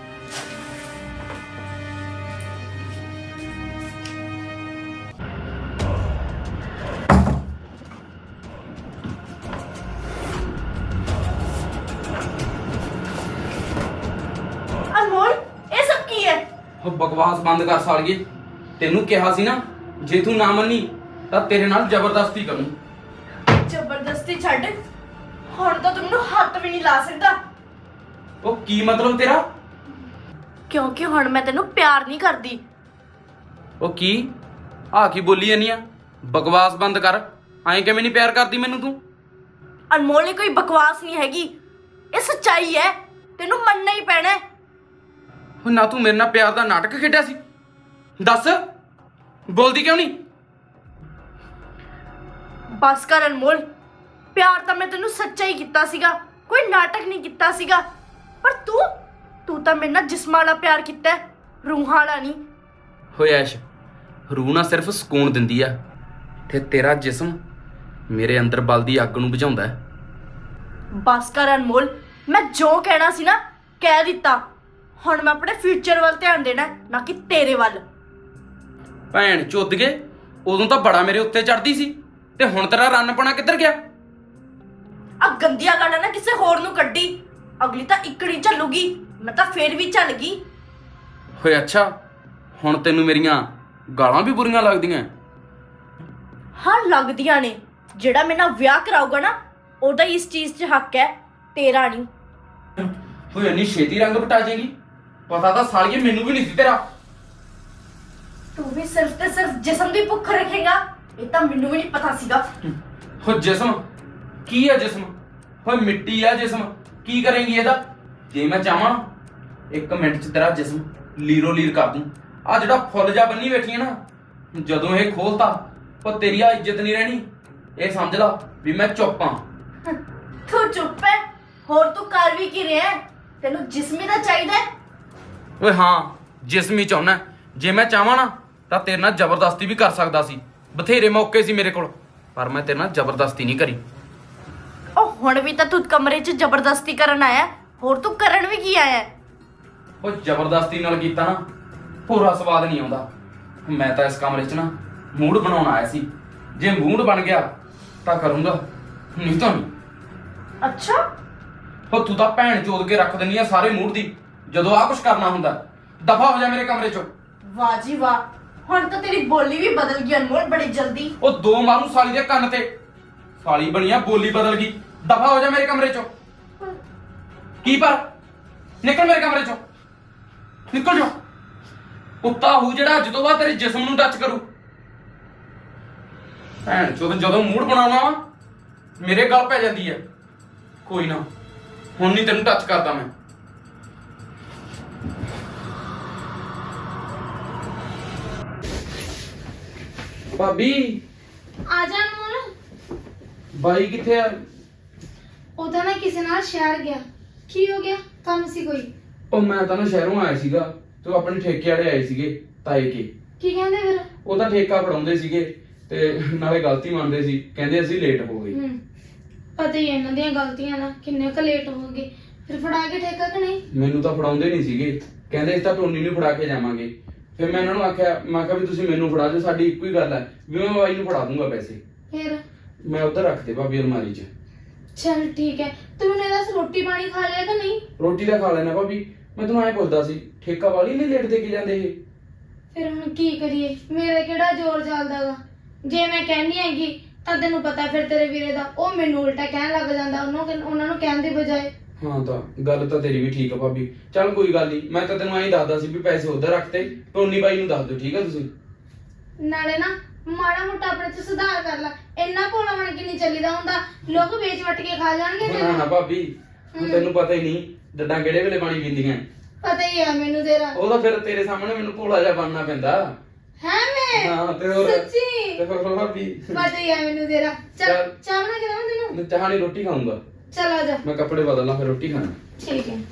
ਅਨਮੋਲ, ਇਹ ਸਭ ਕੀ ਹੈ? ਉਹ ਬਕਵਾਸ ਬੰਦ ਕਰ ਸਾਲੀਏ। ਤੈਨੂੰ ਕਿਹਾ ਸੀ ਨਾ, ਜੇ ਤੂੰ ਨਾ ਮੰਨੀ ਤਾਂ ਤੇਰੇ ਨਾਲ ਜ਼ਬਰਦਸਤੀ ਕਰੂੰ। ਜ਼ਬਰਦਸਤੀ ਛੱਡ, ਹੁਣ ਤਾਂ ਤੂੰ ਮੈਨੂੰ ਹੱਥ ਵੀ ਨਹੀਂ ਲਾ ਸਕਦਾ। ਉਹ ਕੀ ਮਤਲਬ ਤੇਰਾ? ਕਿਉਂਕਿ ਹੁਣ ਮੈਂ ਤੈਨੂੰ ਪਿਆਰ ਨਹੀਂ ਕਰਦੀ। ਉਹ ਕੀ ਆ ਕੀ ਬੋਲੀ ਜਾਨੀ ਆ? ਬਕਵਾਸ ਬੰਦ ਕਰ। ਐਂ ਕਿਵੇਂ ਨਹੀਂ ਪਿਆਰ ਕਰਦੀ ਮੈਨੂੰ ਤੂੰ? ਅਨਮੋਲ, ਇਹ ਕੋਈ ਬਕਵਾਸ ਨਹੀਂ ਹੈਗੀ, ਇਹ ਸੱਚਾਈ ਹੈ। ਤੈਨੂੰ ਮੰਨਣਾ ਹੀ ਪੈਣਾ ਹੈ। ਉਹ ਨਾ ਤੂੰ ਮੇਰੇ ਨਾਲ ਪਿਆਰ ਦਾ ਨਾਟਕ ਖੇਡਿਆ ਸੀ? ਦੱਸ, ਬੋਲਦੀ ਕਿਉਂ ਨਹੀਂ? ਬਸ ਕਰ ਅਨਮੋਲ, ਪਿਆਰ ਤਾਂ ਮੈਂ ਤੈਨੂੰ ਸੱਚਾ ਹੀ ਕੀਤਾ ਸੀਗਾ, ਕੋਈ ਨਾਟਕ ਨਹੀਂ ਕੀਤਾ ਸੀਗਾ। ਪਰ ਤੂੰ ਤੂੰ ਤਾਂ ਮੇਰੇ ਨਾਲ ਜਿਸਮਾਂ ਵਾਲਾ ਪਿਆਰ ਕੀਤਾ ਹੈ, ਰੂਹਾਂ ਵਾਲਾ ਨਹੀਂ। ਹੋਏ ਐਸ਼, ਰੂਹ ਨਾ ਸਿਰਫ ਸਕੂਨ ਦਿੰਦੀ ਆ, ਤੇ ਤੇਰਾ ਜਿਸਮ ਮੇਰੇ ਅੰਦਰ ਬਲਦੀ ਅੱਗ ਨੂੰ ਬੁਝਾਉਂਦਾ ਹੈ। ਬਸ ਕਰ ਅਨਮੋਲ, ਮੈਂ ਜੋ ਕਹਿਣਾ ਸੀ ਨਾ ਕਹਿ ਦਿੱਤਾ। ਹੁਣ ਮੈਂ ਆਪਣੇ ਫਿਊਚਰ ਵੱਲ ਧਿਆਨ ਦੇਣਾ, ਨਾ ਕਿ ਤੇਰੇ ਵੱਲ। ਭੈਣ ਚੁੱਦ ਗਏ, ਉਦੋਂ ਤਾਂ ਬੜਾ ਮੇਰੇ ਉੱਤੇ ਚੜਦੀ ਸੀ, ਤੇ ਹੁਣ ਤੇਰਾ ਰੰਨਪਣਾ ਕਿੱਧਰ ਗਿਆ? ਆ ਗੰਦੀਆਂ ਗਾਲਾਂ ਨਾ ਕਿਸੇ ਹੋਰ ਨੂੰ ਕੱਢੀ, ਅਗਲੀ ਤਾਂ ਇਕੜੀ ਚੱਲੂਗੀ, ਮੈਂ ਤਾਂ ਫੇਰ ਵੀ ਚੱਲ ਗਈ। ਹੋਏ ਅੱਛਾ, ਹੁਣ ਤੈਨੂੰ ਮੇਰੀਆਂ ਗਾਲਾਂ ਵੀ ਬੁਰੀਆਂ ਲੱਗਦੀਆਂ? ਹਾਂ ਲੱਗਦੀਆਂ ਨੇ। ਜਿਹੜਾ ਮੇਰੇ ਨਾਲ ਵਿਆਹ ਕਰਾਊਗਾ ਨਾ, ਉਹਦਾ ਇਸ ਚੀਜ਼ 'ਚ ਹੱਕ ਹੈ, ਤੇਰਾ ਨਹੀਂ। ਹੋਏ ਇੰਨੀ ਛੇਤੀ ਰੰਗ ਪਟਾ ਜਾਏਗੀ? ਪਤਾ ਤਾਂ ਸਾਲੀਏ ਮੈਨੂੰ ਵੀ ਨਹੀਂ ਸੀ ਤੇਰਾ। ਤੂੰ ਵੀ ਸਿਰਫ ਤੇ ਸਿਰਫ ਜਿਸਮ ਦੀ ਭੁੱਖ ਰੱਖੇਗਾ, ਇਹ ਤਾਂ ਮੈਨੂੰ ਵੀ ਨਹੀਂ ਪਤਾ ਸੀਗਾ। ਹੋ ਜਿਸਮ ਕੀ ਆ ਜਿਸਮ? ਓਏ ਮਿੱਟੀ ਆ ਜਿਸਮ, ਕੀ ਕਰੇਂਗੀ ਇਹਦਾ? ਜੇ ਮੈਂ ਚਾਹਾਂ ਇੱਕ ਮਿੰਟ 'ਚ ਤੇਰਾ ਜਿਸਮ ਲੀਰੋ ਲੀਰ ਕਰ ਦੂੰ। ਆ ਜਿਹੜਾ ਫੁੱਲ ਜਾ ਬੰਨੀ ਬੈਠੀ ਹੈ ਨਾ, ਜਦੋਂ ਇਹ ਖੋਲਤਾ ਉਹ ਤੇਰੀ ਆ ਇੱਜ਼ਤ ਨਹੀਂ ਰਹਿਣੀ। ਇਹ ਸਮਝ ਲਾ ਵੀ ਮੈਂ ਚੁੱਪ ਆਂ। ਤੂੰ ਚੁੱਪ ਹੈ? ਹੋਰ ਤੂੰ ਕਰ ਵੀ ਕੀ ਰਿਹਾ ਹੈ? ਤੈਨੂੰ ਜਿਸਮੀ ਦਾ ਚਾਹੀਦਾ ਹੈ? ਓਏ ਹਾਂ, ਜਿਸਮੀ ਚਾਹੁੰਦਾ। ਜੇ ਮੈਂ ਚਾਹਾਂ ਨਾ ਤਾਂ ਤੇਰੇ ਨਾਲ ਜ਼ਬਰਦਸਤੀ ਵੀ ਕਰ ਸਕਦਾ ਸੀ। ਬਥੇਰੇ ਮੌਕੇ ਸੀ ਮੇਰੇ ਕੋਲ, ਪਰ ਮੈਂ ਤੇਰੇ ਨਾਲ ਜ਼ਬਰਦਸਤੀ ਨਹੀਂ ਕਰੀ। ਉਹ ਹੁਣ ਵੀ ਤਾਂ ਤੂੰ ਕਮਰੇ 'ਚ ਜ਼ਬਰਦਸਤੀ ਕਰਨ ਆਇਆ, ਹੋਰ ਤੂੰ ਕਰਨ ਵੀ ਕੀ ਆਇਆ? ਉਹ ਜ਼ਬਰਦਸਤੀ ਨਾਲ ਕੀਤਾ ਨਾ ਪੂਰਾ ਸਵਾਦ ਨਹੀਂ ਆਉਂਦਾ। ਮੈਂ ਤਾਂ ਇਸ ਕਮਰੇ 'ਚ ਨਾ ਮੂਡ ਬਣਾਉਣ ਆਇਆ ਸੀ। ਜੇ ਮੂਡ ਬਣ ਗਿਆ ਤਾਂ ਕਰੂੰਗਾ, ਨਹੀਂ ਤਾਂ ਨਹੀਂ। ਅੱਛਾ, ਉਹ ਤੂੰ ਤਾਂ ਭੈਣ ਚੋਦ ਕੇ ਰੱਖ ਦਿੰਦੀ ਆ ਸਾਰੇ ਮੂਡ ਦੀ ਜਦੋਂ ਆ ਕੁਝ ਕਰਨਾ ਹੁੰਦਾ। ਦਫਾ ਹੋ ਜਾ ਮੇਰੇ ਕਮਰੇ 'ਚੋਂ। ਵਾਹ ਜੀ ਵਾਹ, ਹੁਣ ਤਾਂ ਤੇਰੀ ਬੋਲੀ ਵੀ ਬਦਲ ਗਈ ਅਨਮੋਲ, ਬੜੀ ਜਲਦੀ। ਉਹ ਦੋ ਮਾਰੂ ਸਾਲੀ ਦੇ ਕੰਨ ਤੇ। ਸਾਲੀ ਬਣੀਆ ਬੋਲੀ ਬਦਲ ਗਈ। ਦਫਾ ਹੋ ਜਾ ਮੇਰੇ ਕਮਰੇ 'ਚੋਂ। ਕੀ ਪਰ ਨਿਕਲ ਮੇਰੇ ਕਮਰੇ 'ਚੋਂ, ਨਿਕਲ ਜਾ। ਕੁੱਤਾ ਹੂ ਜਿਹੜਾ ਅੱਜ ਤੋਂ ਬਾਅਦ ਤੇਰੇ ਜਿਸਮ ਨੂੰ ਟੱਚ ਕਰੂ। ਭੈਣ ਚੋਦ ਜਦੋਂ ਮੂਡ ਬਣਾਉਣਾ ਵਾ ਮੇਰੇ ਗੱਲ ਪੈ ਜਾਂਦੀ ਹੈ। ਕੋਈ ਨਾ, ਹੁਣ ਨਹੀਂ ਤੈਨੂੰ ਟੱਚ ਕਰਦਾ ਮੈਂ। ਭਾਬੀ, ਆ ਜਾ ਅਨਮੋਲ। ਬਾਈ ਕਿੱਥੇ ਆ? ਉਹਦਾ ਨਾ ਕਿਸੇ ਨਾਲ ਸ਼ਹਿਰ ਗਿਆ। ਕੀ ਹੋ ਗਿਆ? ਕੰਮ ਸੀ ਕੋਈ? ਉਹ ਮੈਂ ਤਾਂ ਨਾ ਸ਼ਹਿਰੋਂ ਆਇਆ ਸੀਗਾ, ਤੇ ਆਪਣੇ ਠੇਕੇ ਵਾਲੇ ਆਏ ਸੀਗੇ ਤਾਏ ਕੇ। ਕੀ ਕਹਿੰਦੇ ਫਿਰ? ਉਹ ਤਾਂ ਠੇਕਾ ਫੜਾਉਂਦੇ ਸੀਗੇ ਤੇ ਨਾਲੇ ਗਲਤੀ ਮੰਨਦੇ ਸੀ, ਕਹਿੰਦੇ ਅਸੀਂ ਲੇਟ ਹੋ ਗਏ। ਹੂੰ, ਪਤਾ ਹੀ ਹੈ ਇਹਨਾਂ ਦੀਆਂ ਗਲਤੀਆਂ ਨਾ, ਕਿੰਨੇ ਕ ਲੇਟ ਹੋ ਗਏ। ਫਿਰ ਫੜਾ ਕੇ ਠੇਕਾ ਕਿ ਨਹੀਂ? ਮੈਨੂੰ ਤਾਂ ਫੜਾਉਂਦੇ ਨਹੀਂ ਸੀਗੇ, ਕਹਿੰਦੇ ਅਸੀਂ ਤਾਂ ਟੋਨੀ ਨੂੰ ਫੜਾ ਕੇ ਜਾਵਾਂਗੇ। ਫਿਰ ਮੈਂ ਇਹਨਾਂ ਨੂੰ ਆਖਿਆ, ਮੈਂ ਕਿਹਾ ਵੀ ਤੁਸੀਂ ਮੈਨੂੰ ਫੜਾ ਦਿਓ, ਸਾਡੀ ਇੱਕੋ ਹੀ ਗੱਲ ਹੈ ਵੀ ਮੈਂ ਬਾਈ ਨੂੰ ਫੜਾ ਦੂੰਗਾ ਪੈਸੇ। ਫਿਰ ਮੈਂ ਉੱਧਰ ਰੱਖਦੇ ਭਾਬੀ ਅਲਮਾਰੀ 'ਚ। ਚਲ ਠੀਕ ਹੈ। ਤੂੰ ਮੈਨੂੰ ਇਹਦਾ ਰੋਟੀ ਪਾਣੀ ਖਾ ਲਿਆ ਕਿ ਨਹੀਂ? ਰੋਟੀ ਤਾਂ ਖਾ ਲੈਣਾ ਭਾਬੀ। ਮੈਂ ਤੁਹਾਨੂੰ ਐਂ ਪੁੱਛਦਾ ਸੀ, ਠੇਕਾ ਵਾਲੀ ਨਹੀਂ ਲੇਟ ਦੇ ਕੇ ਜਾਂਦੇ ਇਹ? ਫਿਰ ਹੁਣ ਕੀ ਕਰੀਏ, ਮੇਰੇ ਕਿਹੜਾ ਜ਼ੋਰ ਚੱਲਦਾਗਾ। ਜੇ ਮੈਂ ਕਹਿੰਦੀ ਹੈਗੀ ਤਾਂ ਤੈਨੂੰ ਪਤਾ ਫਿਰ ਤੇਰੇ ਵੀਰੇ ਦਾ, ਉਹ ਮੈਨੂੰ ਉਲਟਾ ਕਹਿਣ ਲੱਗ ਜਾਂਦਾ, ਉਹਨੂੰ ਕਹਿ- ਉਹਨਾਂ ਨੂੰ ਕਹਿਣ ਦੀ ਬਜਾਏ। ਹਾਂ ਤਾਂ ਗੱਲ ਤਾਂ ਤੇਰੀ ਵੀ ਠੀਕ ਆ ਭਾਬੀ। ਚੱਲ ਕੋਈ ਗੱਲ ਨਹੀਂ, ਮੈਂ ਤਾਂ ਤੈਨੂੰ ਐਂ ਦੱਸਦਾ ਸੀ ਵੀ ਪੈਸੇ ਉੱਧਰ ਰੱਖਤੇ, ਟੋਨੀ ਬਾਈ ਨੂੰ ਦੱਸ ਦਿਓ, ਠੀਕ ਆ ਤੁਸੀਂ? ਨਾਲੇ ਨਾ ਮਾੜਾ ਮੋਟਾ ਆਪਣੇ ਚ ਸੁਧਾਰ ਕਰ ਲੈ, ਇੰਨਾ ਭੋਲਾ ਬਣ ਕੇ ਨਹੀਂ ਚੱਲੀਦਾ ਹੁੰਦਾ। ਲੋਕ ਵੇਚ ਵਟ ਕੇ ਖਾ ਜਾਣਗੇ ਨਾ ਨਾ ਤੈਨੂੰ। ਭਾਬੀ, ਹੁਣ ਤੈਨੂੰ ਪਤਾ ਹੀ ਨਹੀਂ ਡੱਡਾਂ ਕਿਹੜੇ ਵੇਲੇ ਪਾਣੀ ਪੀਂਦੀਆਂ। ਪਤਾ ਹੀ ਆ ਮੈਨੂੰ ਤੇਰਾ। ਉਹ ਤਾਂ ਫਿਰ ਤੇਰੇ ਸਾਹਮਣੇ ਮੈਨੂੰ ਭੋਲਾ ਜਿਹਾ ਬਣਨਾ ਪੈਂਦਾ। ਹੈ ਮੈਂ ਹਾਂ ਤੇ ਹੋਰ ਸੱਚੀ ਤੇ ਹੋਰ ਭਾਬੀ ਪਤਾ ਹੀ ਆ ਮੈਨੂੰ ਤੇਰਾ। ਚੱਲ ਚੱਲ। ਚਾਹ ਬਣਾ ਕੇ ਦੇਵਾਂ ਤੈਨੂੰ? ਮੈਂ ਚਾਹ ਨਹੀਂ ਰੋਟੀ ਖਾਊਂਗਾ। ਚੱਲ ਆ ਜਾ। ਮੈਂ ਕੱਪੜੇ ਬਦਲਣਾ ਫਿਰ ਰੋਟੀ ਖਾਣਾ। ਠੀਕ ਹੈ।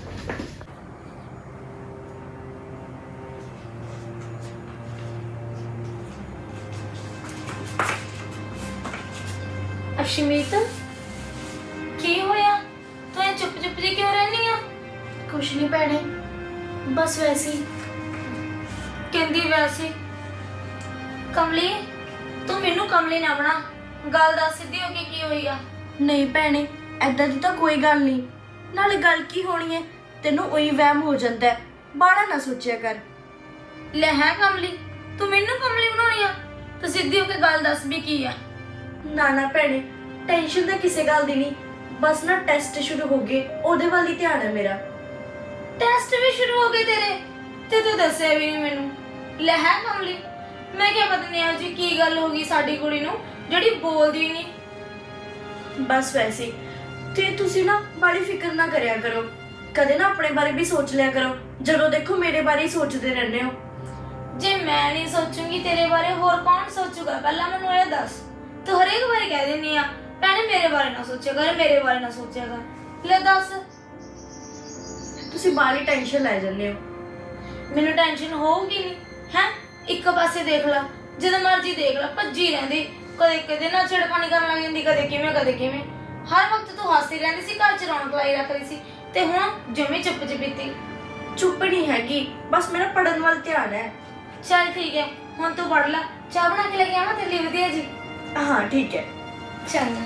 ਅਸ਼ਮੀਤ, ਕੀ ਹੋਇਆ? ਤੂੰ ਇਹ ਚੁੱਪ ਚੁੱਪ ਜੀ ਕਿਉਂ ਰਹਿਨੀ ਆ? ਕੁਛ ਨਹੀਂ ਭੈਣੇ, ਬਸ ਵੈਸੇ ਹੀ। ਕਹਿੰਦੀ ਵੈਸੇ। ਕਮਲੀ, ਤੂੰ ਮੈਨੂੰ ਕਮਲੀ ਨਾ ਬਣਾ। ਗੱਲ ਦੱਸ ਸਿੱਧੀ ਹੋ ਕੇ ਕੀ ਹੋਈ ਆ? ਨਹੀਂ ਭੈਣੇ, ਐਦਾਂ ਦੀ ਤਾਂ ਕੋਈ ਗੱਲ ਨਹੀਂ। ਨਾਲੇ ਗੱਲ ਕੀ ਹੋਣੀ ਹੈ, ਤੈਨੂੰ ਉਹੀ ਵਹਿਮ ਹੋ ਜਾਂਦਾ ਹੈ, ਬਾੜਾ ਨਾ ਸੋਚਿਆ ਕਰ। ਲੈ ਹੈ ਕਮਲੀ, ਤੂੰ ਮੈਨੂੰ ਕਮਲੀ ਬਣਾਉਣੀ ਆ? ਤੂੰ ਸਿੱਧੀ ਹੋ ਕੇ ਗੱਲ ਦੱਸ ਵੀ ਕੀ ਆ? ਨਾ ਨਾ ਭੈਣੇ, ਟੈਨਸ਼ਨ ਤਾਂ ਕਿਸੇ ਗੱਲ ਦੀ ਨਹੀਂ, ਬਸ ਨਾ ਟੈਸਟ ਸ਼ੁਰੂ ਹੋ ਗਏ, ਉਹਦੇ ਵੱਲ ਹੀ ਧਿਆਨ ਹੈ ਮੇਰਾ। ਟੈਸਟ ਵੀ ਸ਼ੁਰੂ ਹੋ ਗਏ ਤੇਰੇ? ਤੇ ਤੂੰ ਦੱਸਿਆ ਵੀ ਨਹੀਂ ਮੈਨੂੰ। ਲੈ ਹੈ ਕਮਲੀ, ਮੈਂ ਕਿਹਾ ਪਤਾ ਨਹੀਂ ਅੱਜ ਕੀ ਗੱਲ ਹੋ ਗਈ ਸਾਡੀ ਕੁੜੀ ਨੂੰ ਜਿਹੜੀ ਬੋਲਦੀ ਨਹੀਂ। ਬਸ ਵੈਸੇ ਹੀ। ਤੇ ਤੁਸੀਂ ਨਾ ਬੜੀ ਫਿਕਰ ਨਾ ਕਰਿਆ ਕਰੋ, ਕਦੇ ਨਾ ਆਪਣੇ ਬਾਰੇ ਵੀ ਸੋਚ ਲਿਆ ਕਰੋ। ਜਦੋਂ ਦੇਖੋ ਮੇਰੇ ਬਾਰੇ ਹੀ ਸੋਚਦੇ ਰਹਿੰਦੇ ਹੋ। ਜੇ ਮੈਂ ਨਹੀਂ ਸੋਚੂੰਗੀ ਤੇਰੇ ਬਾਰੇ ਹੋਰ ਕੌਣ ਸੋਚੂਗਾ? ਪਹਿਲਾਂ ਮੈਨੂੰ ਇਹ ਦੱਸ। ਤੂੰ ਹਰੇਕ ਵਾਰੀ ਕਹਿ ਦਿੰਦੀ ਆ ਭੈਣੇ ਮੇਰੇ ਬਾਰੇ ਨਾ ਸੋਚਿਆ ਕਰ, ਮੇਰੇ ਬਾਰੇ ਨਾ ਸੋਚਿਆ ਕਰ। ਲੈ ਦੱਸ। ਤੁਸੀਂ ਬਾਲੀ ਟੈਨਸ਼ਨ ਲੈ ਜਾਂਦੇ ਹੋ। ਮੈਨੂੰ ਟੈਨਸ਼ਨ ਹੋਊਗੀ ਨਹੀਂ ਹੈ? ਇੱਕ ਪਾਸੇ ਦੇਖ ਲੈ, ਜਦੋਂ ਮਰਜ਼ੀ ਦੇਖ ਲੈ, ਭੱਜੀ ਰਹਿੰਦੀ। ਕਦੇ ਕਦੇ ਨਾ ਛਿੜਖਾਨੀ ਕਰਨ ਲੱਗ ਜਾਂਦੀ, ਕਦੇ ਕਿਵੇਂ ਕਦੇ ਕਿਵੇਂ। ਹਰ ਵਕਤ ਤੂੰ ਹੱਸਦੀ ਰਹਿੰਦੀ ਸੀ, ਘਰ ਚ ਰੌਣਕ ਲਾਈ ਰੱਖਦੀ ਸੀ, ਤੇ ਹੁਣ ਜਮੀ ਚੁੱਪ ਚਪੀਤੀ। ਚੁੱਪ ਨਹੀਂ ਹੈਗੀ, ਬਸ ਮੇਰਾ ਪੜਨ ਵੱਲ ਧਿਆਨ ਹੈ। ਚੱਲ ਠੀਕ ਹੈ, ਹੁਣ ਤੂੰ ਪੜ ਲੈ। ਚਾਹ ਬਣਾ ਕੇ ਲੈ ਕੇ ਆਵਾਂ ਤੇਰੇ ਲਈ ਵਧੀਆ ਜੀ? ਹਾਂ ਠੀਕ ਹੈ। ਚੰਗਾ।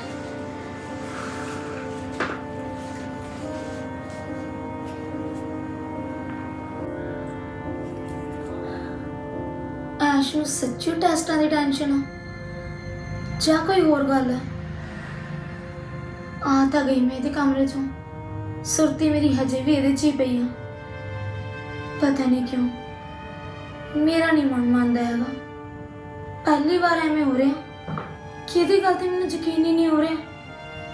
ਐਸ਼ ਨੂੰ ਸੱਚੀ ਟੈਸਟਾਂ ਦੀ ਟੈਨਸ਼ਨ ਆ ਜਾਂ ਕੋਈ ਹੋਰ ਗੱਲ ਹੈ? ਆ ਤਾਂ ਗਈ ਮੈਂ ਇਹਦੇ ਕਮਰੇ ਚੋਂ, ਸੁਰਤੀ ਮੇਰੀ ਹਜੇ ਵੀ ਇਹਦੇ 'ਚ ਹੀ ਪਈ ਆ। ਪਤਾ ਨਹੀਂ ਕਿਉਂ ਮੇਰਾ ਨਹੀਂ ਮਨ ਮੰਨਦਾ ਹੈਗਾ। ਪਹਿਲੀ ਵਾਰ ਐਵੇਂ ਹੋ ਰਿਹਾ ਕਿ ਇਹਦੀ ਗੱਲ ਤੇ ਮੈਨੂੰ ਯਕੀਨ ਹੀ ਨਹੀਂ ਹੋ ਰਿਹਾ।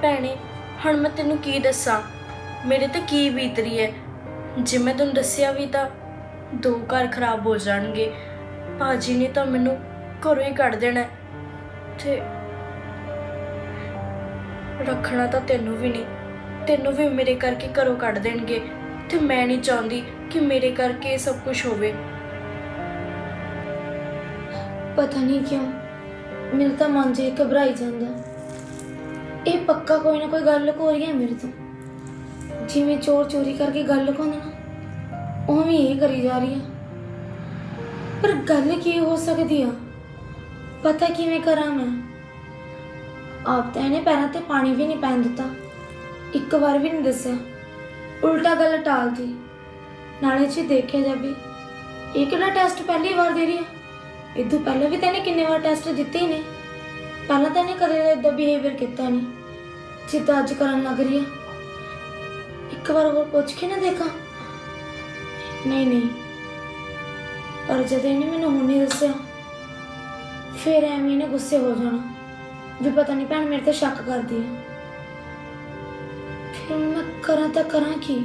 ਭੈਣੇ ਹੁਣ ਮੈਂ ਤੈਨੂੰ ਕੀ ਦੱਸਾਂ, ਮੇਰੇ ਤੇ ਕੀ ਬੀਤ ਰਹੀ ਹੈ। ਜੇ ਮੈਂ ਤੈਨੂੰ ਦੱਸਿਆ ਵੀ ਤਾਂ ਦੋ ਘਰ ਖਰਾਬ ਹੋ ਜਾਣਗੇ। ਭਾਜੀ ਨੇ ਤਾਂ ਮੈਨੂੰ ਘਰੋਂ ਹੀ ਕੱਢ ਦੇਣਾ ਹੈ ਤੇ ਰੱਖਣਾ ਤਾਂ ਤੈਨੂੰ ਵੀ ਨਹੀਂ, ਤੈਨੂੰ ਵੀ ਮੇਰੇ ਕਰਕੇ ਘਰੋਂ ਕੱਢ ਦੇਣਗੇ ਤੇ ਮੈਂ ਨਹੀਂ ਚਾਹੁੰਦੀ ਕਿ ਮੇਰੇ ਕਰਕੇ ਇਹ ਸਭ ਕੁਝ ਹੋਵੇ। ਪਤਾ ਨਹੀਂ ਕਿਉਂ ਮੇਰੇ ਤਾਂ ਮਨ ਜੇ ਘਬਰਾਈ ਜਾਂਦਾ। ਇਹ ਪੱਕਾ ਕੋਈ ਨਾ ਕੋਈ ਗੱਲ ਲੁਕੋ ਰਹੀ ਹੈ ਮੇਰੇ ਤੋਂ। ਜਿਵੇਂ ਚੋਰ ਚੋਰੀ ਕਰਕੇ ਗੱਲ ਲੁਕਾਉਂਦਾ ਨਾ, ਉਵੇਂ ਇਹ ਕਰੀ ਜਾ ਰਹੀ ਆ। ਪਰ ਗੱਲ ਕੀ ਹੋ ਸਕਦੀ ਆ, ਪਤਾ ਕਿਵੇਂ ਕਰਾਂ ਮੈਂ। ਆਪ ਤਾਂ ਇਹਨੇ ਪੈਰਾਂ ਤੇ ਪਾਣੀ ਵੀ ਨਹੀਂ ਪੈਣ ਦਿੱਤਾ, ਇੱਕ ਵਾਰ ਵੀ ਨਹੀਂ ਦੱਸਿਆ, ਉਲਟਾ ਗੱਲ ਟਾਲਦੀ। ਨਾਲੇ ਜੇ ਦੇਖਿਆ ਜਾਵੇ ਇਹ ਕਿਹੜਾ ਟੈਸਟ ਪਹਿਲੀ ਵਾਰ ਦੇ ਰਹੀ ਆ, ਇਦੋਂ ਪਹਿਲਾਂ ਵੀ ਤਾਂ ਇਹਨੇ ਕਿੰਨੇ ਵਾਰ ਟੈਸਟ ਦਿੱਤੇ ਹੀ ਨੇ। ਪਹਿਲਾਂ ਤਾਂ ਇਹਨੇ ਕਦੇ ਇਦਾਂ ਬਿਹੇਵੀਅਰ ਕੀਤਾ ਨਹੀਂ ਜਿੱਦਾਂ ਅੱਜ ਕਰਨ ਲੱਗ ਰਹੀ ਆ। ਇੱਕ ਵਾਰ ਹੋਰ ਪੁੱਛ ਕੇ ਨਾ ਦੇਖਾਂ। ਨਹੀਂ ਨਹੀਂ, ਪਰ ਜਦ ਇਹਨੇ ਮੈਨੂੰ ਹੁਣ ਨਹੀਂ ਦੱਸਿਆ ਫਿਰ ਐਵੇਂ ਇਹਨੇ ਗੁੱਸੇ ਹੋ ਜਾਣਾ ਵੀ ਪਤਾ ਨਹੀਂ ਭੈਣ ਮੇਰੇ ਤੇ ਸ਼ੱਕ ਕਰਦੀ ਆ। ਫਿਰ ਮੈਂ ਕਰਾਂ ਤਾਂ ਕਰਾਂ ਕੀ।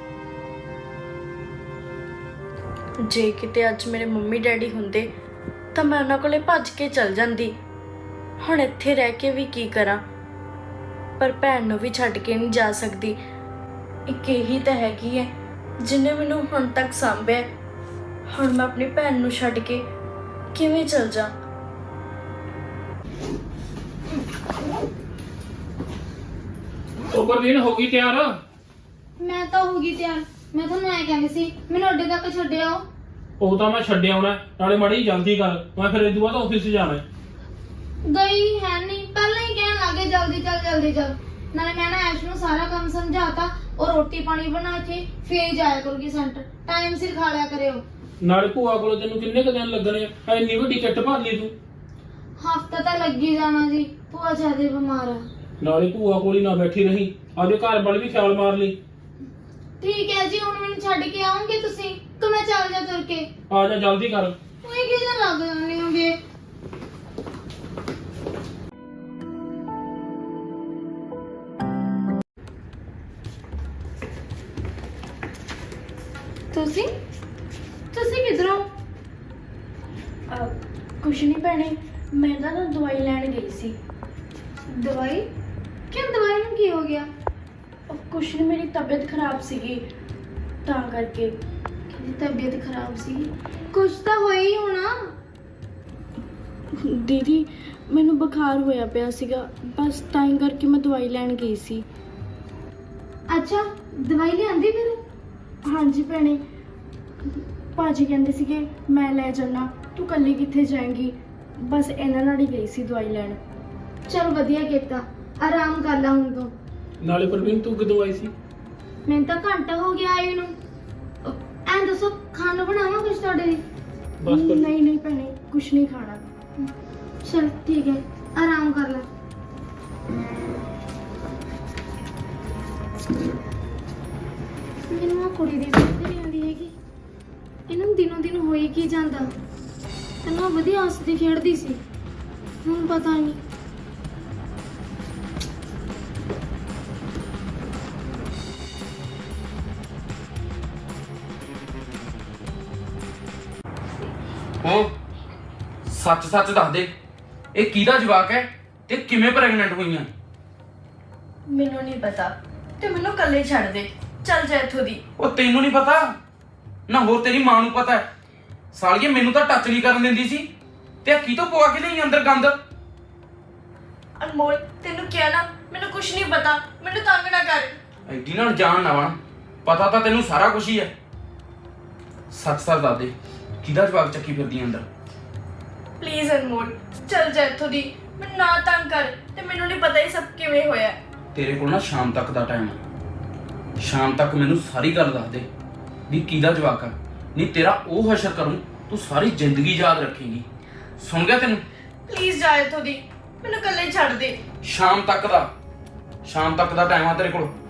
ਜੇ ਕਿਤੇ ਅੱਜ ਮੇਰੇ ਮੰਮੀ ਡੈਡੀ ਹੁੰਦੇ ਤਾਂ ਮੈਂ ਉਹਨਾਂ ਕੋਲੇ ਭੱਜ ਕੇ ਚਲ ਜਾਂਦੀ। ਹੁਣ ਇੱਥੇ ਰਹਿ ਕੇ ਵੀ ਕੀ ਕਰਾਂ, ਪਰ ਭੈਣ ਨੂੰ ਵੀ ਛੱਡ ਕੇ ਨਹੀਂ ਜਾ ਸਕਦੀ। ਇੱਕ ਇਹੀ ਤਾਂ ਹੈਗੀ ਹੈ ਜਿਹਨੇ ਮੈਨੂੰ ਹੁਣ ਤੱਕ ਸਾਂਭਿਆ। ਹੁਣ ਮੈਂ ਆਪਣੀ ਭੈਣ ਨੂੰ ਛੱਡ ਕੇ ਕਿਵੇਂ ਚਲ ਜਾ। ਉਹ ਪ੍ਰਵੀਨ ਹੋ ਗਈ ਤਿਆਰ? ਮੈਂ ਤਾਂ ਹੋ ਗਈ ਤਿਆਰ। ਮੈਂ ਤੁਹਾਨੂੰ ਐ ਕਹਿੰਦੀ ਸੀ ਮੈਨੂੰ ਅੱਡੇ ਤੱਕ ਛੱਡਿਓ। ਉਹ ਤਾਂ ਮੈਂ ਛੱਡ ਆਉਣਾ, ਨਾਲੇ ਮਾੜੀ ਜਲਦੀ ਕਰ, ਮੈਂ ਫਿਰ ਇਦੋਂ ਬਾਅਦ ਆਫਿਸ ਜਾਣਾ। ਗਈ ਹੈ ਨਹੀਂ, ਪਹਿਲਾਂ ਹੀ ਕਹਿਣ ਲੱਗੇ ਜਲਦੀ ਚੱਲ ਜਲਦੀ ਚੱਲ। ਨਾਲੇ ਮੈਂ ਨਾ ਐਸ਼ ਨੂੰ ਸਾਰਾ ਕੰਮ ਸਮਝਾਤਾ, ਉਹ ਰੋਟੀ ਪਾਣੀ ਬਣਾ ਕੇ ਫੇਰ ਜਾਇਆ ਕਰੂਗੀ ਸੈਂਟਰ। ਟਾਈਮ ਸਿਰ ਖਾ ਲਿਆ ਕਰਿਓ। ਨਾਲੇ ਭੂਆ ਕੋਲ ਤੈਨੂੰ ਕਿੰਨੇ ਕੁ ਦਿਨ ਲੱਗਣੇ ਆ? ਇੰਨੀ ਵੱਡੀ ਕਿੱਟ ਭਰ ਲਈ ਤੂੰ। ਹਫਤਾ ਤਾਂ ਲੱਗੀ ਜਾਣਾ ਜੀ, ਭੂਆ ਜ਼ਿਆਦਾ ਬਿਮਾਰ ਆ। ਨਾਲੇ ਭੂਆ ਕੋਲ ਹੀ ਨਾ ਬੈਠੀ ਰਹੀ, ਆਪਦੇ ਘਰ ਵੱਲ ਵੀ ਖਿਆਲ ਮਾਰ ਲਈ। ਠੀਕ ਹੈ ਜੀ, ਹੁਣ ਮੈਨੂੰ ਛੱਡ ਕੇ ਆਉਂਗੇ ਤੁਸੀਂ ਕਿ ਮੈਂ ਚੱਲ ਜਾ ਤੁਰ ਕੇ? ਆ ਜਾ ਜਲਦੀ ਕਰ। ਉਹੀ ਕਿਹਦਾ ਲੱਗ ਜਾਂਦੇ ਹੋਗੇ। ਤੁਸੀਂ ਤੁਸੀਂ ਕਿਧਰੋਂ? ਕੁਛ ਨਹੀਂ ਭੈਣੇ, ਮੈਂ ਤਾਂ ਨਾ ਦਵਾਈ ਲੈਣ ਗਈ ਸੀ। ਦਵਾਈ? ਕਿਉਂ, ਦਵਾਈ ਨੂੰ ਕੀ ਹੋ ਗਿਆ? ਉਹ ਕੁਛ ਨਹੀਂ, ਮੇਰੀ ਤਬੀਅਤ ਖਰਾਬ ਸੀਗੀ ਤਾਂ ਕਰਕੇ। ਕਿਹਦੀ ਤਬੀਅਤ ਖਰਾਬ ਸੀ? ਕੁਛ ਤਾਂ ਹੋਇਆ ਹੀ ਹੋਣਾ। ਦੀਦੀ ਮੈਨੂੰ ਬੁਖਾਰ ਹੋਇਆ ਪਿਆ ਸੀਗਾ, ਬਸ ਤਾਂ ਹੀ ਕਰਕੇ ਮੈਂ ਦਵਾਈ ਲੈਣ ਗਈ ਸੀ। ਅੱਛਾ, ਦਵਾਈ ਲਿਆਂਦੀ ਫਿਰ? ਹਾਂਜੀ ਭੈਣੇ, ਭਾਜੀ ਕਹਿੰਦੇ ਸੀਗੇ ਮੈਂ ਲੈ ਜਾਣਾ, ਤੂੰ ਇਕੱਲੀ ਕਿੱਥੇ ਜਾਏਂਗੀ, ਬਸ ਇਹਨਾਂ ਨਾਲ ਹੀ ਗਈ ਸੀ ਦਵਾਈ ਲੈਣ। ਚਲ ਵਧੀਆ ਕੀਤਾ, ਆਰਾਮ ਕਰ ਲਾ ਹੁਣ ਤੂੰ। ਨਾਲੇ ਪ੍ਰਵੀਨ ਤੂੰ ਕਦੋਂ ਆਈ ਸੀ? ਮੈਨੂੰ ਤਾਂ ਘੰਟਾ ਹੋ ਗਿਆ ਆਈ ਨੂੰ। ਐਂ ਦੱਸੋ ਖਾਣ ਨੂੰ ਬਣਾਵਾਂ ਕੁਛ ਤੁਹਾਡੇ ਲਈ? ਬਸ ਕਰ। ਨਹੀਂ ਨਹੀਂ ਭੈਣੇ, ਕੁਛ ਨਹੀਂ ਖਾਣਾ। ਚਲ ਠੀਕ ਹੈ, ਆਰਾਮ ਕਰ ਲੈ। ਮੈਨੂੰ ਆ ਕੁੜੀ ਦੀ ਸਮਝ ਨਹੀਂ ਆਉਂਦੀ ਹੈਗੀ, ਇਹਨੂੰ ਦਿਨੋਂ ਦਿਨ ਹੋਈ ਕੀ ਜਾਂਦਾ। ਤੈਨੂੰ ਉਹ ਵਧੀਆ ਹੱਸਦੀ ਖੇਡਦੀ ਸੀ, ਹੁਣ ਪਤਾ ਨਹੀਂ। ਉਹ ਸੱਚ ਸੱਚ ਦੱਸ ਦੇ, ਇਹ ਕਿਹਦਾ ਜਵਾਕ ਹੈ ਤੇ ਕਿਵੇਂ ਪ੍ਰੈਗਨੈਂਟ ਹੋਈਆਂ? ਮੈਨੂੰ ਨਹੀਂ ਪਤਾ ਤੇ ਮੈਨੂੰ ਇਕੱਲੇ ਛੱਡ ਦੇ, ਚੱਲ ਜਾ ਇੱਥੋਂ ਦੀ। ਉਹ ਤੈਨੂੰ ਨਹੀਂ ਪਤਾ ਨਾ, ਹੋਰ ਤੇਰੀ ਮਾਂ ਨੂੰ ਪਤਾ ਹੈ। ਸਾਲੀਏ ਮੈਨੂੰ ਤਾਂ ਟੱਚ ਨਹੀਂ ਕਰਨ ਦਿੰਦੀ ਸੀ, ਤੇ ਆ ਕੀ ਤੋਂ ਪਵਾ ਕੇ ਲਈ ਅੰਦਰ ਗੰਦ? ਅਨਮੋਲ ਤੈਨੂੰ ਕਿਹਾ ਨਾ, ਮੈਨੂੰ ਕੁਛ ਨਹੀਂ ਪਤਾ, ਮੈਨੂੰ ਤੰਗ ਨਾ ਕਰ। ਐਡੀ ਨਾਲ ਜਾਣ ਨਾ ਬਣ, ਪਤਾ ਤਾਂ ਤੈਨੂੰ ਸਾਰਾ ਕੁਝ ਹੀ ਹੈ। ਸੱਚ ਸੱਚ ਦੱਸ ਦੇ, ਕਿਹਦਾ ਜਵਾਕ ਚੱਕੀ ਫਿਰਦੀ ਅੰਦਰ? ਪਲੀਜ਼ ਅਨਮੋਲ ਚੱਲ ਜਾ ਇੱਥੋਂ ਦੀ, ਮੈਨੂੰ ਨਾ ਤੰਗ ਕਰ, ਤੇ ਮੈਨੂੰ ਨਹੀਂ ਪਤਾ ਇਹ ਸਭ ਕਿਵੇਂ ਹੋਇਆ। ਤੇਰੇ ਕੋਲ ਨਾ ਸ਼ਾਮ ਤੱਕ ਦਾ ਟਾਈਮ ਹੈ, ਸ਼ਾਮ ਤੱਕ ਮੈਨੂੰ ਸਾਰੀ ਗੱਲ ਦੱਸ ਦੇ ਵੀ ਕਿਹਦਾ ਜਵਾਕ ਆ, ਨਹੀਂ ਤੇਰਾ ਉਹ ਹਸ਼ਰ ਕਰੂੰ ਤੂੰ ਸਾਰੀ ਜ਼ਿੰਦਗੀ ਯਾਦ ਰੱਖੇਂਗੀ। ਸੁਣ ਗਿਆ ਤੈਨੂੰ? ਪਲੀਜ਼ ਜਾ ਇੱਥੋਂ ਦੀ, ਮੈਨੂੰ ਇਕੱਲੇ ਛੱਡ ਦੇ। ਸ਼ਾਮ ਤੱਕ ਦਾ ਸ਼ਾਮ ਤੱਕ ਦਾ ਟਾਈਮ ਆ ਤੇਰੇ ਕੋਲ।